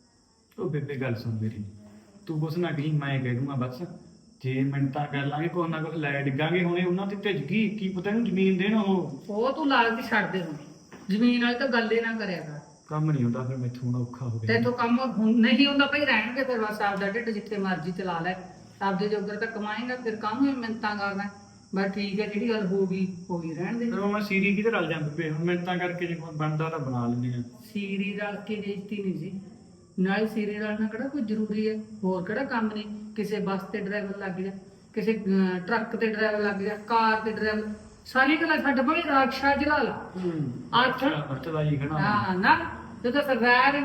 [SPEAKER 3] ਉਹ ਬੇਬੇ ਗੱਲ ਸੁਣ ਮੇਰੀ, ਤੂੰ ਕੁਛ ਨਾ ਕਹੀਂ, ਮੈਂ ਕਹਿ ਦੂੰਗਾ ਬਸ। ਜੇ ਮਿੰਟਾਂ ਕਰ ਲਾਂਗੇ ਕੁਛ ਨਾ ਕੁਛ ਲੈ ਡਿੱਗਾਂਗੇ, ਹੁਣੇ ਉਹਨਾਂ ਤੇ ਭਿੱਜ ਗਈ, ਕੀ ਪਤਾ ਇਹਨੂੰ ਜ਼ਮੀਨ ਦੇਣ। ਉਹ
[SPEAKER 4] ਉਹ ਤੂੰ ਲਾਲਚ ਛੱਡ ਦੇ ਹੁਣ, ਜ਼ਮੀਨ ਵਾਲੀ ਤਾਂ ਗੱਲ ਹੀ ਨਾ ਕਰਿਆ ਕਰ।
[SPEAKER 3] ਕੰਮ ਨਹੀਂ ਹੁੰਦਾ ਫਿਰ ਮੈਥੋਂ ਹੁਣ ਔਖਾ ਹੋ
[SPEAKER 4] ਤੇ
[SPEAKER 3] ਗਿਆ।
[SPEAKER 4] ਤੂੰ ਕੰਮ ਹੁਣ ਨਹੀਂ ਹੁੰਦਾ ਭਾਈ, ਰਹਿਣਗੇ ਫਿਰ ਬਸ ਆਪਦਾ ਢਿੱਡ ਜਿੱਥੇ ਮਰਜ਼ੀ ਚਲਾ ਲੈ, ਆਪਦੇ ਜੋਗਰ ਤਾਂ ਕਮਾਏਗਾ। ਫਿਰ ਕੰਮ ਹੀ ਮਿੰਤਾਂ ਕਰਨਾ। ਬਸ ਠੀਕ ਹੈ, ਜਿਹੜੀ ਗੱਲ ਹੋ ਗਈ ਹੋ ਗਈ, ਰਹਿਣ ਦੇ।
[SPEAKER 3] ਫਿਰ ਉਹ ਮੈਂ ਸੀਰੀ ਕਿਤੇ ਰਲ ਜਾਂਦੇ ਪਏ, ਹੁਣ ਮਿੰਟਾਂ ਕਰਕੇ ਜੇ ਕੋਈ ਬਣਦਾ ਤਾਂ ਬਣਾ ਲੈਂਦੇ ਆ।
[SPEAKER 4] ਸੀਰੀ ਰਲ ਕੇ ਬੇਇੱਜ਼ਤੀ ਨਹੀਂ ਸੀ, ਨਾਲੇ ਸੀਰੀ ਰਲਣਾ ਕਿਹੜਾ ਕੋਈ ਜ਼ਰੂਰੀ ਹੈ, ਹੋਰ ਕਿਹੜਾ ਕੰਮ ਨਹੀਂ। ਕਿਸੇ ਬੱਸ ਤੇ ਡਰਾਈਵਰ ਲੱਗ ਜਾ, ਕਿਸੇ ਅਹ, ਟਰੱਕ ਤੇ ਡਰਾਈਵਰ ਲੱਗ ਜਾ, ਕਾਰ ਤੇ ਡਰਾਈਵਰ, ਸਾਰੀ ਗੱਲਾਂ ਛੱਡ ਭਾਵੇਂ ਰਾਖਸ਼ਾ ਜਲਾ ਲਾ। ਅੱਠ
[SPEAKER 3] ਅੱਛਾ ਜੀ ਖਣਾ
[SPEAKER 4] ਹਾਂ ਨਾ ਤੂੰ ਤਾਂ ਸਰਦਾਰ ਹੈ।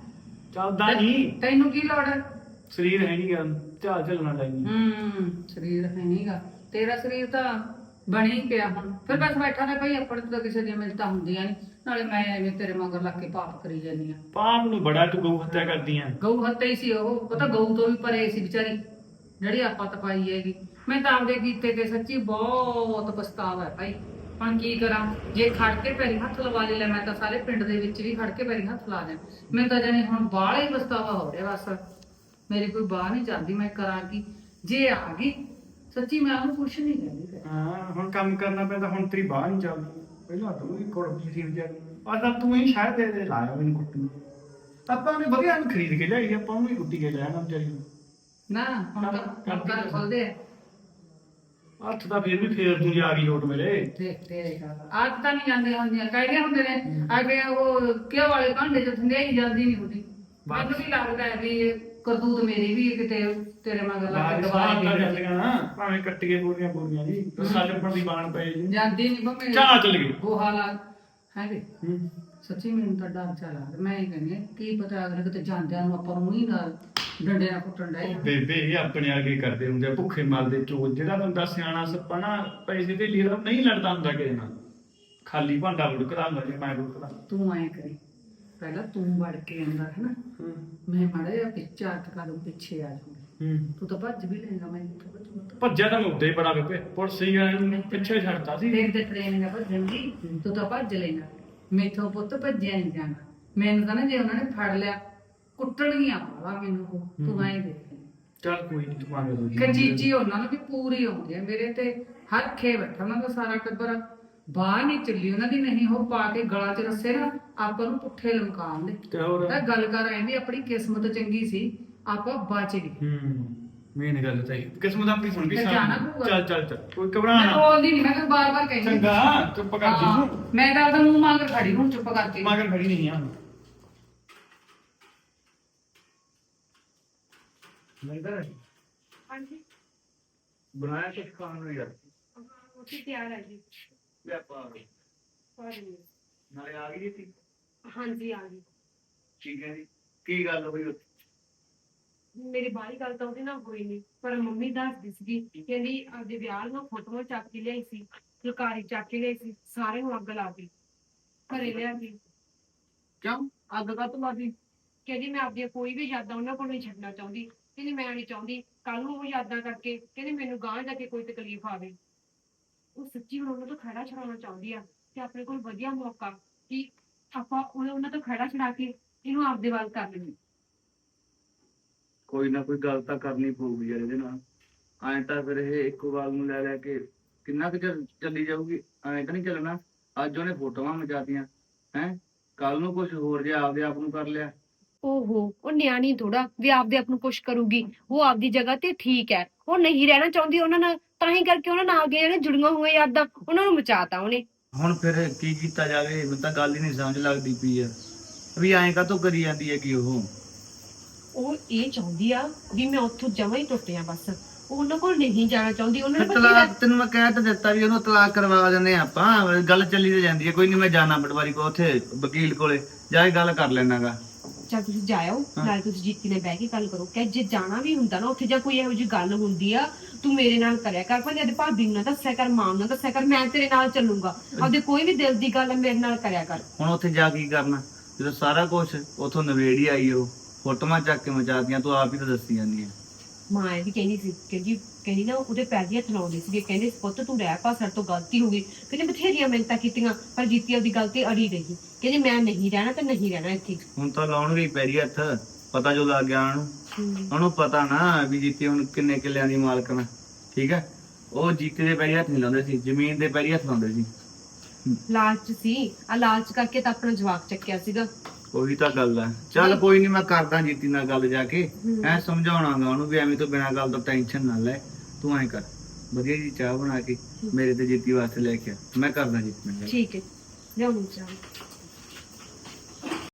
[SPEAKER 3] ਚੱਲਦਾ ਨਹੀਂ,
[SPEAKER 4] ਤੈਨੂੰ ਕੀ ਲੋੜ ਹੈ?
[SPEAKER 3] ਸਰੀਰ ਹੈ ਨਹੀਂ ਗਾ ਝਾਲ ਝਲਣਾ ਲੈਣੀ।
[SPEAKER 4] ਹੂੰ ਸਰੀਰ ਹੈ ਨਹੀਂਗਾ ਤੇਰਾ, ਸਰੀਰ ਤਾਂ ਬਣੀ ਪਿਆ ਹੁਣ। ਫਿਰ ਬਸ ਬੈਠਾ ਨੇ ਭਾਈ, ਆਪਣੇ ਤੋਂ ਤਾਂ ਕਿਸੇ ਦੀਆਂ ਮਿਲਤਾਂ ਹੁੰਦੀਆਂ ਨਹੀਂ। ਨਾਲੇ ਮੈਂ ਐਵੇਂ ਤੇਰੇ ਮਗਰ ਲੱਗ ਕੇ ਪਾਪ ਕਰੀ ਜਾਂਦੀ ਆ।
[SPEAKER 3] ਪਾਪ ਨੂੰ ਬੜਾ ਤੂੰ ਗਊ ਹੱਤਿਆ ਕਰਦੀ ਆ।
[SPEAKER 4] ਗਊ ਹੱਤਿਆ ਹੀ ਸੀ ਉਹ, ਪਤਾ ਗਊ ਤੋਂ ਵੀ ਪਰੇ ਸੀ ਵਿਚਾਰੀ ਜਿਹੜੀ ਆਪਾਂ ਤਪਾਈ ਹੈਗੀ। ਮੈਂ ਤਾਂ ਆਪਦੇ ਕੀਤੇ ਤੇ ਸੱਚੀ ਬਹੁਤ ਪਛਤਾਵਾ ਹੈ ਭਾਈ। ਹੁਣ ਕੀ ਕਰਾਂ, ਜੇ ਖੜ ਕੇ ਪੈਰੀ ਹੱਥ ਲਵਾ ਲੈ, ਮੈਂ ਤਾਂ ਸਾਰੇ ਪਿੰਡ ਦੇ ਵਿੱਚ ਵੀ ਖੜ ਕੇ ਪੈਰੀ ਹੱਥ ਲਾ ਦਿਆਂ। ਮੈਨੂੰ ਤਾਂ ਜਾਨੀ ਹੁਣ ਬਾਹਲਾ ਹੀ ਪਛਤਾਵਾ ਹੋ ਰਿਹਾ। ਬਸ ਮੇਰੀ ਕੋਈ ਬਾਹ ਨਹੀਂ ਚੱਲਦੀ, ਮੈਂ ਕਰਾਂ ਕੀ। ਜੇ ਆ ਗਈ ਸੱਚੀ ਮੈਂ ਉਹਨੂੰ ਕੁਛ ਨਹੀਂ ਕਹਿੰਦੀ ਫਿਰ।
[SPEAKER 3] ਹਾਂ ਹੁਣ ਕੰਮ ਕਰਨਾ ਪੈਂਦਾ, ਹੁਣ ਤੇਰੀ ਬਾਹ ਨਹੀਂ ਚੱਲਦੀ। ਪਹਿਲਾਂ ਤੂੰ ਹੀ ਕੁੜਦੀ ਸੀ ਵਿਚਾਰੀ, ਆਹ ਤਾਂ ਤੂੰ ਹੀ ਸ਼ਾਇਦ ਦੇ ਦੇ ਲਾਇਆ ਮੈਨੂੰ ਕੁੱਟਣ। ਆਪਾਂ ਉਹਨੇ ਵਧੀਆ ਨੂੰ ਖਰੀਦ ਕੇ ਲਿਆਈ, ਆਪਾਂ ਉਹਨੂੰ ਹੀ ਕੁੱਟੀ ਕੇ ਲਿਆਣਾ ਵਿਚਾਰੀ ਨੂੰ।
[SPEAKER 4] ਨਾ ਹੁਣ ਤਾਂ ਕਰ ਖੋਲਦੇ ਆ
[SPEAKER 3] ਹੱਥ ਤਾਂ ਫਿਰ ਵੀ ਫੇਰ ਤੂੰ ਜੇ ਆ ਗਈ ਲੋਟ ਮੇਰੇ।
[SPEAKER 4] ਦੇਖ ਤੇਰੇ ਅੱਜ ਤਾਂ ਨਹੀਂ ਜਾਂਦੇ ਹੁੰਦੀਆਂ, ਕਹਿੰਦੇ ਹੁੰਦੇ ਨੇ ਅੱਗੇ ਉਹ ਕਿਉਂ ਵਾਲੇ ਭਾਂਡੇ ਚ ਠੰਡਿਆਈ ਜਾਂਦੀ ਨਹੀਂ ਹੁੰਦੀ। ਮੈਨੂੰ ਵੀ ਲੱਗਦਾ ਹੈ ਵੀ ਕਰਤੂਤ ਮੇਰੀ ਵੀ ਕਿਤੇ ਤੇਰੇ ਮਗਰ ਲੱਗ ਕੇ ਦਵਾਈ
[SPEAKER 3] ਤਾਂ
[SPEAKER 4] ਦੇ
[SPEAKER 3] ਜਾਂਦੀਆਂ ਨਾ, ਭਾਵੇਂ ਕੱਟੀਏ ਪੂਰੀਆਂ ਪੂਰੀਆਂ ਜੀ, ਰਸਾ ਚੱਪਣ ਦੀ ਬਾਣ ਪਏ ਜੀ।
[SPEAKER 4] ਜਾਂਦੀ ਨਹੀਂ ਬੰਮੇ
[SPEAKER 3] ਚਾਹ ਚੱਲ ਗਈ।
[SPEAKER 4] ਗੋਹਾ ਲਾ ਹੈ ਵੇ।
[SPEAKER 3] ਹੂੰ
[SPEAKER 4] ਸੱਚੀ ਮੈਨੂੰ ਤਾਂ ਡਰ ਚਾ ਲੱਗਦਾ। ਮੈਂ ਇਹ ਕਹਿੰਦੀ ਹਾਂ, ਕੀ ਪਤਾ ਅਗਲੇ ਕਿਤੇ ਜਾਂਦਿਆਂ ਨੂੰ ਆਪਾਂ ਨੂੰ ਹੀ ਨਾਲ ਡੰਡੇ ਨਾਲ ਕੁੱਟਣ ਡਏ।
[SPEAKER 3] ਉਹ ਬੇਬੇ ਇਹ ਆਪਣੇ ਵਰਗੇ ਕਰਦੇ ਹੁੰਦੇ ਆ, ਭੁੱਖੇ ਮਰਦੇ ਚੋਰ। ਜਿਹੜਾ ਬੰਦਾ ਸਿਆਣਾ ਸੱਪਾ ਨਾ ਪੈਸੇ ਤੇ ਲਿਆ ਨਹੀਂ ਲੜਦਾ ਹੁੰਦਾ ਕਿਸੇ ਨਾਲ, ਖਾਲੀ ਭਾਂਡਾ ਲੁੜਕਦਾ ਹੁੰਦਾ ਜੇ ਮੈਂ ਲੁੜਕਦਾ।
[SPEAKER 4] ਤੂੰ ਐਂ ਕਰੀ, ਪਹਿਲਾਂ ਤੂੰ ਵੜ ਕੇ ਅੰਦਰ ਹੈ ਨਾ, ਮੈਂ ਮਾੜਾ ਜਿਹਾ ਪਿੱਛੇ ਹੱਥ ਕਦਮ ਪਿੱਛੇ ਆ ਜਾਊਂਗੀ।
[SPEAKER 3] ਹੂੰ
[SPEAKER 4] ਤੂੰ ਤਾਂ ਭੱਜ ਵੀ ਲੈਂਗਾ, ਮੈਂ ਕਿੱਥੋਂ ਭੱਜੂਗਾ।
[SPEAKER 3] ਭੱਜਿਆ ਤਾਂ ਮੈਂ ਉੱਤੇ ਹੀ ਬੜਾ ਬੇਬੇ, ਪੁਲਿਸ ਹੀ ਵਾਲੇ ਪਿੱਛੇ ਛੱਡਤਾ ਸੀ।
[SPEAKER 4] ਦੇਖ ਤੇ ਟ੍ਰੇਨਿੰਗ ਭੱਜਣ ਦੀ, ਤੂੰ ਤਾਂ ਭੱਜ ਲੈਣਾ। ਮੈਥੋਂ ਪੁੱਤ ਭੱਜਿਆ ਨਹੀਂ ਜਾਣਾ। ਮੈਨੂੰ ਤਾਂ ਨਾ ਜੇ ਉਹਨਾਂ ਨੇ ਫੜ ਲਿਆ ਕੁੱਟਣਗੀਆਂ ਵਾਲਾ ਮੈਨੂੰ ਉਹ। ਤੂੰ ਐਂ ਦੇਖ
[SPEAKER 3] ਚੱਲ ਕੋਈ ਨਹੀਂ, ਤੂੰ ਮੰਗ ਲਓ ਜੀ।
[SPEAKER 4] ਕਚੀਚੀ ਉਹਨਾਂ ਨੂੰ ਵੀ ਪੂਰੀ ਆਉਂਦੀ ਹੈ ਮੇਰੇ ਤੇ। ਹਰ ਖੇ ਬੈਠਾ ਉਹਨਾਂ ਦਾ ਸਾਰਾ ਟੱਬਰ, ਬਾਹਰ ਨਹੀਂ ਚੱਲੀ ਉਹਨਾਂ ਦੀ। ਨਹੀਂ ਉਹ ਪਾ ਕੇ ਗਲਾਂ 'ਚ ਰੱਸੇ ਨਾ ਆਪਾਂ ਨੂੰ ਪੁੱਠੇ ਲਮਕਾਉਣ ਦੇ।
[SPEAKER 3] ਤੇ ਹੋਰ
[SPEAKER 4] ਤਾਂ ਗੱਲ ਕਰ ਐਂ ਵੀ ਆਪਣੀ ਕਿਸਮਤ ਚੰਗੀ ਸੀ, ਆਪਾਂ ਬਚ ਗਏ।
[SPEAKER 3] ਹੂੰ ਮੇਨ ਗੱਲ ਤਾਂ ਇਹ ਕਿਸਮਤ ਆਪਣੀ ਸੁਣ ਗਈ।
[SPEAKER 4] ਤੇ ਜਾਣਾ ਪਊਗਾ।
[SPEAKER 3] ਚੱਲ ਚੱਲ ਚੱਲ, ਕੋਈ ਘਬਰਾ
[SPEAKER 4] ਮੈਂ
[SPEAKER 3] ਨਾ।
[SPEAKER 4] ਬੋਲਦੀ ਨਹੀਂ, ਮੈਂ ਤਾਂ ਬਾਰ-ਬਾਰ ਕਹਿੰਦੀ
[SPEAKER 3] ਚੰਗਾ ਚੁੱਪ ਕਰ ਜੀ
[SPEAKER 4] ਹਾਂ,
[SPEAKER 3] ਤੂੰ।
[SPEAKER 4] ਮੈਂ ਤਾਂ ਉਹਦਾ ਮੂੰਹ ਮੰਗ ਖੜੀ ਹੁਣ ਚੁੱਪ ਕਰਕੇ।
[SPEAKER 3] ਮਗਰ ਖੜੀ ਨਹੀਂ ਆ। ਮੰਦਰ
[SPEAKER 2] ਹਾਂਜੀ
[SPEAKER 3] ਬਣਾਇਆ ਕੁਝ ਖਾਣ ਨੂੰ ਯਾਰ।
[SPEAKER 2] ਉੱਥੇ ਤਿਆਰ ਹੈ ਜੀ।
[SPEAKER 3] ਲੈ ਪਾ
[SPEAKER 2] ਸੌਰੀ
[SPEAKER 3] ਨਾਲੇ ਆ ਗਈ ਸੀ।
[SPEAKER 2] ਹਾਂਜੀ ਆ ਗਈ।
[SPEAKER 3] ਠੀਕ ਹੈ ਜੀ, ਕੀ ਗੱਲ ਹੋਈ ਉੱਥੇ?
[SPEAKER 2] ਮੇਰੀ ਬਾਹਰੀ ਗੱਲ ਤਾਂ ਉਹਦੇ ਨਾਲ ਹੋਈ ਨਹੀਂ, ਪਰ ਮੰਮੀ ਦੱਸਦੀ ਸੀਗੀ, ਕਹਿੰਦੀ ਆਪਦੇ ਵਿਆਹ ਨੂੰ ਫੋਟੋਆਂ ਚੱਕ ਕੇ ਲਿਆਈ ਸੀ, ਫੁਲਕਾਰੀ ਚੱਕ ਕੇ ਲਿਆਈ ਸੀ, ਸਾਰੇ ਨੂੰ ਅੱਗ ਲਾ ਦਿੱਤੀ, ਘਰੇ ਲਿਆ ਕੇ।
[SPEAKER 3] ਕਿਉਂ ਅੱਗ ਕਾ ਲਾਦੀ?
[SPEAKER 2] ਕਹਿੰਦੀ ਮੈਂ ਆਪਦੀਆਂ ਕੋਈ ਵੀ ਯਾਦਾਂ ਉਹਨਾਂ ਕੋਲ ਨਹੀਂ ਛੱਡਣਾ ਚਾਹੁੰਦੀ। ਕਹਿੰਦੀ ਮੈਂ ਨਹੀਂ ਚਾਹੁੰਦੀ ਕੱਲ ਨੂੰ ਉਹ ਯਾਦਾਂ ਕਰਕੇ ਕਹਿੰਦੀ ਮੈਨੂੰ ਗਾਂਹ ਜਾ ਕੇ ਕੋਈ ਤਕਲੀਫ ਆਵੇ। ਉਹ ਸੱਚੀ ਹੁਣ ਉਹਨਾਂ ਤੋਂ ਖੜਾ ਛਡਾਉਣਾ ਚਾਹੁੰਦੀ ਆ ਤੇ ਆਪਣੇ ਕੋਲ ਵਧੀਆ ਮੌਕਾ ਕਿ ਆਪਾਂ ਉਹ- ਉਹਨਾਂ ਤੋਂ ਖੜਾ ਛਡਾ ਕੇ ਇਹਨੂੰ ਆਪਦੇ ਵੱਲ ਕਰ ਲੈਂਦੇ।
[SPEAKER 1] ਕੋਈ ਨਾ ਕੋਈ ਗੱਲ ਤਾਂ ਕਰਨੀ ਪਊਗੀ ਯਾਰ ਇਹਦੇ ਨਾਲ। ਐਂ ਤਾਂ ਫਿਰ ਇਹ ਇੱਕੋ ਗੱਲ ਨੂੰ ਲੈ ਲੈ ਕੇ ਕਿੰਨਾ ਕੁ ਚਿਰ ਚੱਲੀ ਜਾਊਗੀ। ਐਂ ਤਾਂ ਨਹੀਂ ਚੱਲਣਾ। ਅੱਜ ਉਹਨੇ ਫੋਟੋਆਂ ਮਚਾਤੀਆਂ ਹੈ, ਕੱਲ ਨੂੰ ਕੁਝ ਹੋਰ ਜੇ ਆਪਦੇ ਆਪ ਨੂੰ ਕਰ ਲਿਆ।
[SPEAKER 2] ਓਹੋ, ਉਹ ਨਿਆਣੀ ਥੋੜਾ ਵੀ ਆਪਦੇ ਆਪ ਨੂੰ ਕੁਛ ਕਰੂਗੀ। ਉਹ ਆਪਦੀ ਜਗ੍ਹਾ ਤੇ ਠੀਕ ਹੈ, ਉਹ ਨਹੀਂ ਰਹਿਣਾ ਚਾਹੁੰਦੀ ਉਹਨਾਂ ਨਾਲ, ਤਾਂ ਹੀ ਕਰਕੇ ਉਹਨਾਂ ਨਾਲ ਅੱਗੇ ਜਿਹੜੇ ਜੁੜੀਆਂ ਹੋਈਆਂ ਯਾਦਾਂ ਉਹਨਾਂ ਨੂੰ ਮਚਾਤਾ ਉਹਨੇ।
[SPEAKER 1] ਹੁਣ ਫਿਰ ਕੀ ਕੀਤਾ ਜਾਵੇ, ਮੈਨੂੰ ਤਾਂ ਗੱਲ ਹੀ ਨਹੀਂ ਸਮਝ ਲੱਗਦੀ ਪਈ ਆ ਵੀ ਐਂ ਕਾਹਤੋਂ ਕਰੀ ਜਾਂਦੀ ਹੈ ਕਿ ਉਹ
[SPEAKER 2] ਉਹ ਇਹ ਚਾਹੁੰਦੀ ਆ ਵੀ ਮੈਂ ਉੱਥੋਂ ਜਮਾਂ ਹੀ ਟੁੱਟ ਜਾ ਬਸ। ਉਹ ਉਹਨਾਂ ਕੋਲ ਨਹੀਂ ਜਾਣਾ ਚਾਹੁੰਦੀ। ਉਹਨਾਂ
[SPEAKER 1] ਫਿਰ
[SPEAKER 2] ਨੇ ਪਤਾ
[SPEAKER 1] ਤਲਾਕ ਤੈਨੂੰ ਮੈਂ ਕਹਿ ਤਾਂ ਦਿੱਤਾ ਵੀ ਉਹਨੂੰ ਤਲਾਕ ਕਰਵਾ ਦਿੰਦੇ ਆ ਆਪਾਂ। ਗੱਲ ਚੱਲੀ ਤੇ ਜਾਂਦੀ ਹੈ। ਕੋਈ ਨਹੀਂ, ਮੈਂ ਜਾਣਾ ਪਟਵਾਰੀ ਕੋ, ਉੱਥੇ ਵਕੀਲ ਕੋਲੇ ਜਾ ਕੇ ਗੱਲ ਕਰ ਲੈਣਾਗਾ।
[SPEAKER 2] ਚੱਲ ਤੁਸੀਂ ਜਾਇਓ, ਨਾਲੇ ਤੁਸੀਂ ਜੀਤੀ ਨਾਲ ਬਹਿ ਕੇ ਗੱਲ ਕਰੋ ਕਿ ਜੇ ਜਾਣਾ ਵੀ ਹੁੰਦਾ ਨਾ ਉੱਥੇ, ਜਾਂ ਕੋਈ ਇਹੋ ਜਿਹੀ ਗੱਲ ਹੁੰਦੀ ਆ ਤੂੰ ਮੇਰੇ ਨਾਲ ਕਰਿਆ ਕਰ, ਭਾਵੇਂ ਜਦ ਭਾਬੀ ਨੂੰ ਨਾ ਦੱਸਿਆ ਕਰ, ਮਾਂ ਨੂੰ ਨਾ ਦੱਸਿਆ ਕਰ, ਮੈਂ ਤੇਰੇ ਨਾਲ ਚੱਲੂੰਗਾ। ਆਪਦੇ ਕੋਈ ਵੀ ਦਿਲ ਦੀ ਗੱਲ ਮੇਰੇ ਨਾਲ ਕਰਿਆ ਕਰ।
[SPEAKER 1] ਹੁਣ ਉੱਥੇ ਜਾ ਕੀ ਕਰਨਾ ਜਦੋਂ ਸਾਰਾ ਕੁਝ ਉੱਥੋਂ ਨਵੇੜ ਹੀ ਆਈ। ਉਹ ਫੋਟੋਆਂ ਚੱਕ ਕੇ ਮਚਾਤੀਆਂ, ਤੂੰ ਆਪ ਹੀ ਤਾਂ ਦੱਸੀ ਜਾਂਦੀ ਹੈ।
[SPEAKER 2] ਮਾਂ ਇਹ ਵੀ ਕਹਿੰਦੀ ਸੀ, ਕਹਿੰਦੀ ਕਹਿੰਦੀ ਨਾ ਉਹਦੇ ਪੈਰ ਦੀਆਂ ਥਲਾਉਂਦੀ ਸੀ, ਕਹਿੰਦੇ ਪੁੱਤ ਤੂੰ ਰਹਿ ਪਾ, ਸਾਡੇ ਤੋਂ ਗਲਤੀ ਹੋ ਗਈ। ਕਹਿੰਦੇ ਬਥੇਰੀਆਂ ਮਿਹਨਤਾਂ ਕੀਤੀਆਂ ਪਰ ਜੀਤੀ ਉਹਦੀ ਗੱਲ ਤੇ ਅੜੀ ਰਹੀ। ਕਹਿੰਦੀ ਮੈਂ ਨਹੀਂ ਰਹਿਣਾ ਤੇ ਨਹੀਂ ਰਹਿਣਾ ਇੱਥੇ।
[SPEAKER 1] ਹੁਣ ਤਾਂ ਲਾਉਣਗੇ ਹੀ ਪੈਰੀ ਹੱਥ, ਪਤਾ ਜੋ ਲੱਗ ਗਿਆ ਉਹਨੂੰ। ਉਹਨੂੰ ਪਤਾ ਨਾ ਵੀ ਜੀਤੀ ਹੁਣ ਕਿੰਨੇ ਕਿੱਲਿਆਂ ਦੀ ਮਾਲਕਣ, ਠੀਕ ਹੈ। ਉਹ ਜੀਤੀ ਦੇ ਪੈਰੀ ਹੱਥ ਨਹੀਂ ਲਾਉਂਦੇ ਸੀ, ਜ਼ਮੀਨ ਦੇ ਪੈਰੀ ਹੱਥ ਲਾਉਂਦੇ ਸੀ।
[SPEAKER 2] ਲਾਲਚ ਸੀ, ਆ ਲਾਲਚ ਕਰਕੇ ਤਾਂ ਆਪਣਾ ਜਵਾਕ ਚੱਕਿਆ ਸੀਗਾ।
[SPEAKER 1] ਉਹੀ ਤਾਂ ਗੱਲ ਹੈ। ਚੱਲ ਕੋਈ ਨਹੀਂ, ਮੈਂ ਕਰਦਾ ਜੀਤੀ ਨਾਲ ਗੱਲ ਜਾ ਕੇ, ਐ ਸਮਝਾਉਣਾਗਾ ਉਹਨੂੰ ਵੀ ਐਵੇਂ ਤੋਂ ਬਿਨਾਂ ਗੱਲ ਤੋਂ ਟੈਨਸ਼ਨ ਨਾ ਲੈ। ਤੂੰ ਐਂ ਕਰ, ਵਧੀਆ ਜੀ ਚਾਹ ਬਣਾ ਕੇ ਮੇਰੇ ਤੇ ਜੀਤੀ ਵਾਸਤੇ ਲੈ ਕੇ ਆ, ਮੈਂ ਕਰਦਾ ਜੀਤੀ ਨਾਲ ਗੱਲ।
[SPEAKER 2] ਠੀਕ ਹੈ, ਲਿਆਉਣੀ ਚਾਹ।